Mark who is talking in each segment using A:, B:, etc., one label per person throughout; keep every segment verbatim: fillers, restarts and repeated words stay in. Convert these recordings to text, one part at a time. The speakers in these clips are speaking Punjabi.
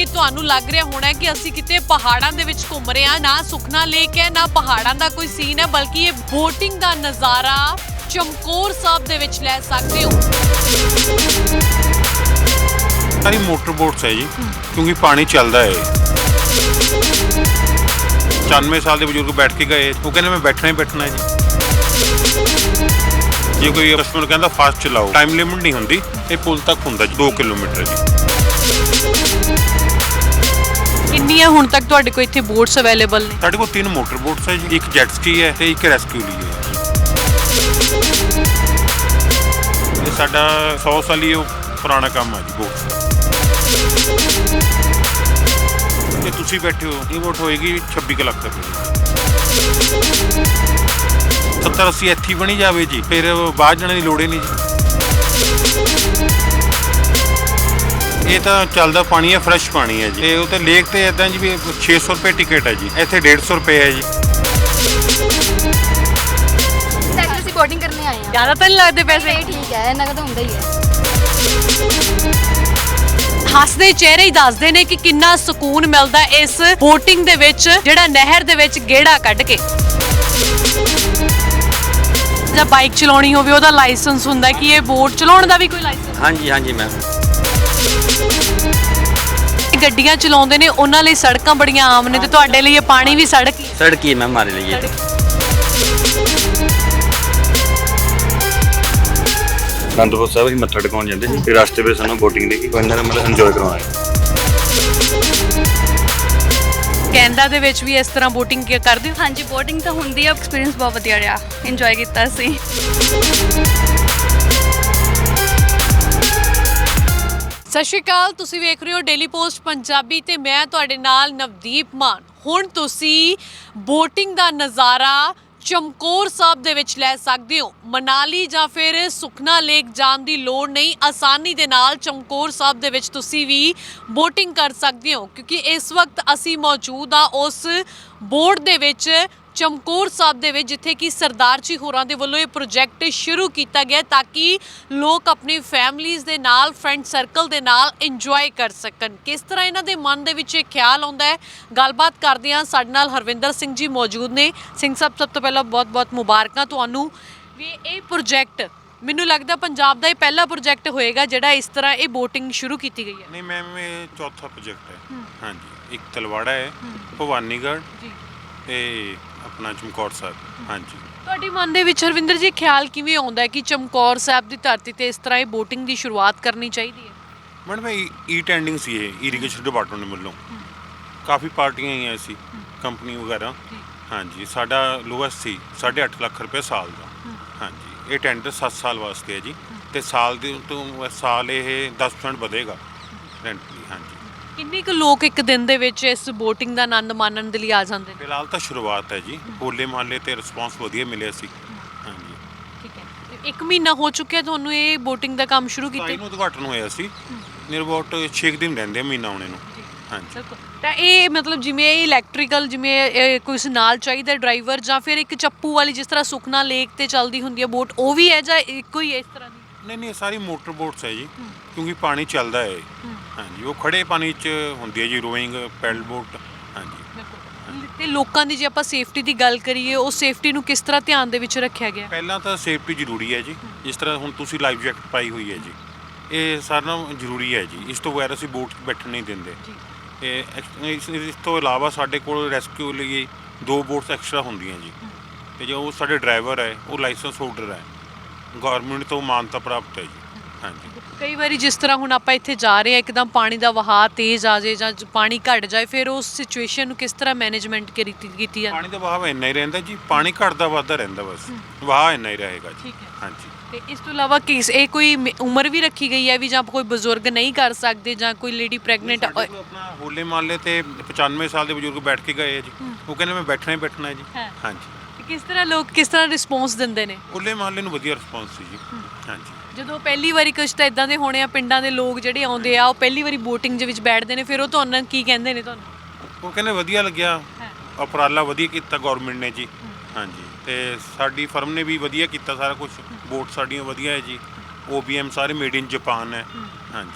A: ਕਿ ਤੁਹਾਨੂੰ ਲੱਗ ਰਿਹਾ ਹੋਣਾ ਕਿ ਅਸੀਂ ਕਿਤੇ ਪਹਾੜਾਂ ਦੇ ਵਿੱਚ ਘੁੰਮ ਰਹੇ ਹਾਂ। ਨਾ ਸੁਖਨਾ ਲੇਕ ਹੈ, ਨਾ ਪਹਾੜਾਂ ਦਾ ਕੋਈ ਸੀਨ ਹੈ, ਬਲਕਿ ਇਹ ਬੋਟਿੰਗ ਦਾ ਨਜ਼ਾਰਾ ਚਮਕੌਰ ਸਾਹਿਬ ਦੇ ਵਿੱਚ ਲੈ ਸਕਦੇ ਹੋ।
B: ਸਾਰੀ मोटर बोट्स है जी, क्योंकि पानी चलता है। पचानवे साल के बजुर्ग बैठ के गए, वो कहते मैं बैठना ही बैठना है जी। जे कोई कस्टमर कहता फास्ट चलाओ, टाइम लिमिट नहीं होंगी, ये पुल तक होंदा जी दो किलोमीटर जी।
A: किन्नियां हुण तक तुहाडे कोल इत्थे बोट्स अवेलेबल ने?
B: साडे कोल तीन मोटर बोट्स है जी, एक जेट स्की है ते एक रेस्क्यू ली है। ये साडा सौ साल ही पुराना काम है जी बोट्स का। ਜੇ ਤੁਸੀਂ ਬੈਠੇ ਹੋ ਇਹ ਵੋਟ ਹੋਏਗੀ ਛੱਬੀ ਕੁ ਲੱਖ ਰੁਪਏ। ਸੱਤਰ ਅੱਸੀ ਇੱਥੇ ਬਣੀ ਜਾਵੇ ਜੀ, ਫਿਰ ਬਾਹਰ ਜਾਣ ਦੀ ਲੋੜ ਹੀ ਨਹੀਂ ਜੀ। ਇਹ ਤਾਂ ਚੱਲਦਾ ਪਾਣੀ ਹੈ, ਫਰੈਸ਼ ਪਾਣੀ ਹੈ ਜੀ। ਤੇ ਉਹ ਤੇ ਲੇਕ ਤੇ ਇਦਾਂ ਜੀ ਵੀ ਛੇ ਸੌ ਰੁਪਏ ਟਿਕਟ ਹੈ ਜੀ, ਇੱਥੇ ਡੇਢ ਸੌ ਰੁਪਏ ਹੈ ਜੀ।
C: ਅਸੀਂ ਬੋਟਿੰਗ ਕਰਨੇ ਆਏ ਹਾਂ।
A: ਜ਼ਿਆਦਾ ਤਾਂ ਨਹੀਂ ਲੱਗਦੇ ਪੈਸੇ?
C: ਠੀਕ ਹੈ, ਇਹਨਾਂ ਦਾ ਤਾਂ ਹੁੰਦਾ ਹੀ ਹੈ।
A: ਹੱਸਦੇ ਚਿਹਰੇ ਹੀ ਦੱਸਦੇ ਨੇ ਕਿ ਕਿੰਨਾ ਸਕੂਨ ਮਿਲਦਾ ਇਸ ਬੋਟਿੰਗ ਦੇ ਵਿੱਚ, ਜਿਹੜਾ ਨਹਿਰ ਦੇ ਵਿੱਚ ਗੇੜਾ ਕੱਢ ਕੇ। ਜਾਂ ਬਾਈਕ ਚਲਾਉਣੀ ਹੋਵੇ ਉਹਦਾ ਲਾਇਸੈਂਸ ਹੁੰਦਾ, ਕਿ ਇਹ ਬੋਟ ਚਲਾਉਣ ਦਾ ਵੀ ਕੋਈ ਲਾਇਸੈਂਸ?
D: ਹਾਂਜੀ ਹਾਂਜੀ ਮੈਮ।
A: ਗੱਡੀਆਂ ਚਲਾਉਂਦੇ ਨੇ ਉਹਨਾਂ ਲਈ ਸੜਕਾਂ ਬੜੀਆਂ ਆਮ ਨੇ, ਤੇ ਤੁਹਾਡੇ ਲਈ ਇਹ ਪਾਣੀ ਵੀ ਸੜਕ ਹੀ?
D: सड़क ही है मैम हमारे लिए। ਅਨੰਦਪੁਰ ਸਾਹਿਬ ਹੀ ਮੱਥਾ ਟਿਕਾਉਣ ਜਾਂਦੇ ਸੀ, ਤੇ ਰਸਤੇ ਵਿੱਚ ਸਾਨੂੰ ਬੋਟਿੰਗ ਦੇ ਕੇ ਇਹਨਾਂ ਨੇ ਮਤਲਬ ਇੰਜੋਏ ਕਰਵਾਇਆ।
A: ਕੈਨੇਡਾ ਦੇ ਵਿੱਚ ਵੀ ਇਸ ਤਰ੍ਹਾਂ ਬੋਟਿੰਗ ਕਰਦੇ ਹੋ?
E: ਹਾਂਜੀ, ਬੋਟਿੰਗ ਤਾਂ ਹੁੰਦੀ ਆ। ਐਕਸਪੀਰੀਅੰਸ ਬਹੁਤ ਵਧੀਆ ਰਿਹਾ, ਇੰਜੋਏ ਕੀਤਾ ਸੀ।
A: ਸਤਿ ਸ਼੍ਰੀ ਅਕਾਲ, ਤੁਸੀਂ ਵੇਖ ਰਹੇ ਹੋ ਡੇਲੀ ਪੋਸਟ ਪੰਜਾਬੀ ਤੇ ਮੈਂ ਤੁਹਾਡੇ ਨਾਲ ਨਵਦੀਪ ਮਾਨ। ਹੁਣ ਤੁਸੀਂ ਬੋਟਿੰਗ ਦਾ ਨਜ਼ਾਰਾ ਚਮਕੌਰ ਸਾਹਿਬ ਦੇ ਵਿੱਚ ਲੈ ਸਕਦੇ ਹੋ। ਮਨਾਲੀ ਜਾਂ ਫਿਰ ਸੁਖਨਾ ਲੇਕ ਜਾਣ ਦੀ ਲੋੜ ਨਹੀਂ, ਆਸਾਨੀ ਦੇ ਨਾਲ ਚਮਕੌਰ ਸਾਹਿਬ ਦੇ ਵਿੱਚ ਤੁਸੀਂ ਵੀ ਬੋਟਿੰਗ ਕਰ ਸਕਦੇ ਹੋ, ਕਿਉਂਕਿ ਇਸ ਵਕਤ ਅਸੀਂ ਮੌਜੂਦ ਆ ਉਸ ਬੋਟ ਦੇ ਵਿੱਚ ਚਮਕੌਰ ਸਾਹਿਬ ਦੇ ਵਿੱਚ, ਜਿੱਥੇ ਕਿ ਸਰਦਾਰ ਜੀ ਹੋਰਾਂ ਦੇ ਵੱਲੋਂ ਇਹ ਪ੍ਰੋਜੈਕਟ ਸ਼ੁਰੂ ਕੀਤਾ ਗਿਆ ਤਾਂ ਕਿ ਲੋਕ ਆਪਣੀ ਫੈਮਲੀਜ਼ ਦੇ ਨਾਲ, ਫਰੈਂਡ ਸਰਕਲ ਦੇ ਨਾਲ ਇੰਜੋਏ ਕਰ ਸਕਣ। ਕਿਸ ਤਰ੍ਹਾਂ ਇਹਨਾਂ ਦੇ ਮਨ ਦੇ ਵਿੱਚ ਇਹ ਖਿਆਲ ਆਉਂਦਾ ਹੈ, ਗੱਲਬਾਤ ਕਰਦੇ ਹਾਂ। ਸਾਡੇ ਨਾਲ ਹਰਵਿੰਦਰ ਸਿੰਘ ਜੀ ਮੌਜੂਦ ਨੇ। ਸਿੰਘ ਸਾਹਿਬ, ਸਭ ਤੋਂ ਪਹਿਲਾਂ ਬਹੁਤ ਬਹੁਤ ਮੁਬਾਰਕਾਂ ਤੁਹਾਨੂੰ ਵੀ ਇਹ ਪ੍ਰੋਜੈਕਟ, ਮੈਨੂੰ ਲੱਗਦਾ ਪੰਜਾਬ ਦਾ ਇਹ ਪਹਿਲਾ ਪ੍ਰੋਜੈਕਟ ਹੋਏਗਾ ਜਿਹੜਾ ਇਸ ਤਰ੍ਹਾਂ ਇਹ ਬੋਟਿੰਗ ਸ਼ੁਰੂ ਕੀਤੀ ਗਈ ਹੈ।
B: ਨਹੀਂ ਮੈਮ, ਇਹ ਚੌਥਾ ਪ੍ਰੋਜੈਕਟ ਹੈ। ਹਾਂਜੀ, ਇੱਕ ਤਲਵਾੜਾ ਹੈ, ਭਵਾਨੀਗੜ੍ਹ
A: ਜੀ, ਤੇ
B: ਆਪਣਾ ਚਮਕੌਰ ਸਾਹਿਬ। ਹਾਂਜੀ,
A: ਤੁਹਾਡੇ ਮਨ ਦੇ ਵਿੱਚ ਹਰਵਿੰਦਰ ਜੀ ਖਿਆਲ ਕਿਵੇਂ ਆਉਂਦਾ ਹੈ ਕਿ ਚਮਕੌਰ ਸਾਹਿਬ ਦੀ ਧਰਤੀ ਤੇ ਇਸ ਤਰ੍ਹਾਂ ਇਹ ਬੋਟਿੰਗ ਦੀ ਸ਼ੁਰੂਆਤ ਕਰਨੀ ਚਾਹੀਦੀ ਹੈ?
B: ਮੈਡਮ ਈ ਟੈਂਡਿੰਗ ਸੀ ਇਹ ਇਰੀਗੇਸ਼ਨ ਡਿਪਾਰਟਮੈਂਟ ਵੱਲੋਂ, ਕਾਫੀ ਪਾਰਟੀਆਂ ਆਈਆਂ ਸੀ, ਕੰਪਨੀ ਵਗੈਰਾ। ਹਾਂਜੀ, ਸਾਡਾ ਲੋਐਸਟ ਸੀ ਸਾਢੇ ਅੱਠ ਲੱਖ ਰੁਪਏ ਸਾਲ ਦਾ। ਹਾਂਜੀ, ਇਹ ਟੈਂਡਰ ਸੱਤ ਸਾਲ ਵਾਸਤੇ ਹੈ ਜੀ, ਤੇ ਸਾਲ ਦੇ ਤੋਂ ਸਾਲ ਇਹ ਦਸ ਪਰਸੈਂਟ ਵਧੇਗਾ ਰੈਂਟ ਲਈ। ਹਾਂਜੀ,
A: ਕਿੰਨੇ ਕੁ ਲੋਕ ਇੱਕ ਦਿਨ ਦੇ ਵਿੱਚ ਇਸ ਬੋਟਿੰਗ ਦਾ ਆਨੰਦ ਮਾਣਨ ਦੇ ਲਈ ਆ ਜਾਂਦੇ ਨੇ?
B: ਫਿਲਹਾਲ ਤਾਂ ਸ਼ੁਰੂਆਤ ਹੈ ਜੀ, ਹੋਲੇ ਮਹੱਲੇ ਤੇ ਰਿਸਪੌਂਸ ਵਧੀਆ ਮਿਲਿਆ ਸੀ। ਹਾਂਜੀ,
A: ਠੀਕ ਹੈ। ਤੇ ਇੱਕ ਮਹੀਨਾ ਹੋ ਚੁੱਕਿਆ ਤੁਹਾਨੂੰ ਇਹ ਬੋਟਿੰਗ ਦਾ ਕੰਮ ਸ਼ੁਰੂ ਕੀਤੇ?
B: ਨੂੰ ਉਦਘਾਟਨ ਹੋਇਆ ਸੀ, ਨੀਅਰ ਅਬਾਊਟ ਛੇ ਦਿਨ ਰਹਿੰਦੇ ਆ ਮਹੀਨਾ ਆਉਣੇ ਨੂੰ। ਹਾਂਜੀ,
A: ਤਾਂ ਇਹ ਮਤਲਬ ਜਿਵੇਂ ਇਹ ਇਲੈਕਟ੍ਰੀਕਲ, ਜਿਵੇਂ ਕੋਈ ਨਾਲ ਚਾਹੀਦਾ ਡਰਾਈਵਰ, ਜਾਂ ਫਿਰ ਇੱਕ ਚੱਪੂ ਵਾਲੀ ਜਿਸ ਤਰ੍ਹਾਂ ਸੁਖਨਾ ਲੇਕ ਤੇ ਚੱਲਦੀ ਹੁੰਦੀ ਹੈ ਬੋਟ, ਉਹ ਵੀ ਹੈ ਜਾਂ ਇੱਕੋ ਹੀ ਹੈ ਇਸ ਤਰ੍ਹਾਂ ਦੀ?
B: ਨਹੀਂ ਨਹੀਂ, ਸਾਰੀ ਮੋਟਰ ਬੋਟਸ ਹੈ ਜੀ, ਕਿਉਂਕਿ ਪਾਣੀ ਚੱਲਦਾ ਹੈ। ਹਾਂਜੀ, ਉਹ ਖੜੇ ਪਾਣੀ 'ਚ ਹੁੰਦੀ ਹੈ ਜੀ, ਰੋਇੰਗ, ਪੈਡਲ ਬੋਟ। ਹਾਂਜੀ,
A: ਤੇ ਲੋਕਾਂ ਦੀ ਜੇ ਆਪਾਂ ਸੇਫਟੀ ਦੀ ਗੱਲ ਕਰੀਏ, ਉਹ ਸੇਫਟੀ ਨੂੰ ਕਿਸ ਤਰ੍ਹਾਂ ਧਿਆਨ ਦੇ ਵਿੱਚ ਰੱਖਿਆ ਗਿਆ?
B: ਪਹਿਲਾਂ ਤਾਂ ਸੇਫਟੀ ਜ਼ਰੂਰੀ ਹੈ ਜੀ, ਜਿਸ ਤਰ੍ਹਾਂ ਹੁਣ ਤੁਸੀਂ ਲਾਈਫ ਜੈਕਟ ਪਾਈ ਹੋਈ ਹੈ ਜੀ, ਇਹ ਸਾਰਿਆਂ ਨਾਲੋਂ ਜ਼ਰੂਰੀ ਹੈ ਜੀ। ਇਸ ਤੋਂ ਬਗੈਰ ਅਸੀਂ ਬੋਟ 'ਚ ਬੈਠਣ ਨਹੀਂ ਦਿੰਦੇ। ਇਹ ਇਸ ਇਸ ਤੋਂ ਇਲਾਵਾ ਸਾਡੇ ਕੋਲ ਰੈਸਕਿਊ ਲਈ ਦੋ ਬੋਟਸ ਐਕਸਟਰਾ ਹੁੰਦੀਆਂ ਜੀ, ਤੇ ਜੋ ਸਾਡੇ ਡਰਾਈਵਰ ਹੈ ਉਹ ਲਾਇਸੈਂਸ ਹੋਲਡਰ ਹੈ, ਗੌਰਮੈਂਟ ਤੋਂ ਮਾਨਤਾ ਪ੍ਰਾਪਤ ਹੈ ਜੀ। ਹਾਂਜੀ,
A: ਕਈ ਵਾਰੀ ਜਿਸ ਤਰ੍ਹਾਂ ਹੁਣ ਆਪਾਂ ਇੱਥੇ ਜਾ ਰਹੇ ਹਾਂ, ਇੱਕਦਮ ਪਾਣੀ ਦਾ ਵਹਾਅ ਤੇਜ਼ ਆ ਜਾਏ ਜਾਂ ਪਾਣੀ ਘਟ ਜਾਏ, ਫਿਰ ਉਸ ਸਿਚੁਏਸ਼ਨ ਨੂੰ ਕਿਸ ਤਰ੍ਹਾਂ ਮੈਨੇਜਮੈਂਟ ਕੀਤੀ ਕੀਤੀ ਜਾਂਦੀ?
B: ਪਾਣੀ ਦਾ ਵਹਾਅ ਇੰਨਾ ਹੀ ਰਹਿੰਦਾ ਜੀ, ਪਾਣੀ ਘਟਦਾ ਵੱਧਦਾ ਰਹਿੰਦਾ, ਬਸ ਵਹਾਅ ਇੰਨਾ ਹੀ ਰਹੇਗਾ ਜੀ।
A: ਠੀਕ ਹੈ।
B: ਹਾਂਜੀ,
A: ਤੇ ਇਸ ਤੋਂ ਇਲਾਵਾ ਕਿਸ ਇਹ ਕੋਈ ਮ- ਉਮਰ ਵੀ ਰੱਖੀ ਗਈ ਹੈ ਵੀ ਜਾਂ ਕੋਈ ਬਜ਼ੁਰਗ ਨਹੀਂ ਕਰ ਸਕਦੇ, ਜਾਂ ਕੋਈ ਲੇਡੀ ਪ੍ਰੈਗਨੈਂਟ?
B: ਸਾਡੇ ਕੋਲ ਆਪਣਾ ਹੋਲੇ ਮਹੱਲੇ ਤੇ ਪਚਾਨਵੇਂ ਸਾਲ ਦੇ ਬਜ਼ੁਰਗ ਬੈਠ ਕੇ ਗਏ ਆ ਜੀ, ਉਹ ਕਹਿੰਦੇ ਮੈਂ ਬੈਠਣਾ ਹੀ ਬੈਠਣਾ ਹੈ ਜੀ। ਹਾਂਜੀ,
A: ਤੇ ਕਿਸ ਤਰ੍ਹਾਂ ਲੋਕ ਕਿਸ ਤਰ੍ਹਾਂ ਰਿਸਪੌਂਸ ਦਿੰਦੇ ਨੇ?
B: ਹੋਲੇ ਮਹੱਲੇ ਨੂੰ ਵਧੀਆ ਰਿਸਪੌਂਸ ਸੀ ਜੀ। ਹਾਂਜੀ,
A: ਜਦੋਂ ਪਹਿਲੀ ਵਾਰੀ ਕੁਛ ਤਾਂ ਇਦਾਂ ਦੇ ਹੋਣੇ ਆ, ਪਿੰਡਾਂ ਦੇ ਲੋਕ ਜਿਹੜੇ ਆਉਂਦੇ ਆ, ਉਹ ਪਹਿਲੀ ਵਾਰੀ ਬੋਟਿੰਗ ਦੇ ਵਿੱਚ ਬੈਠਦੇ ਨੇ, ਫਿਰ ਉਹ ਤੁਹਾਨੂੰ ਕੀ ਕਹਿੰਦੇ ਨੇ ਤੁਹਾਨੂੰ?
B: ਉਹ ਕਹਿੰਦੇ ਵਧੀਆ ਲੱਗਿਆ, ਉਪਰਾਲਾ ਵਧੀਆ ਕੀਤਾ ਗੌਰਮੈਂਟ ਨੇ ਜੀ। ਹਾਂਜੀ, ਤੇ ਸਾਡੀ ਫਰਮ ਨੇ ਵੀ ਵਧੀਆ ਕੀਤਾ ਸਾਰਾ ਕੁਝ, ਬੋਟ ਸਾਡੀਆਂ ਵਧੀਆ ਹੈ ਜੀ, ਓ ਬੀ ਐਮ ਸਾਰੇ ਮੇਡ ਇਨ ਜਾਪਾਨ ਹੈ। ਹਾਂਜੀ,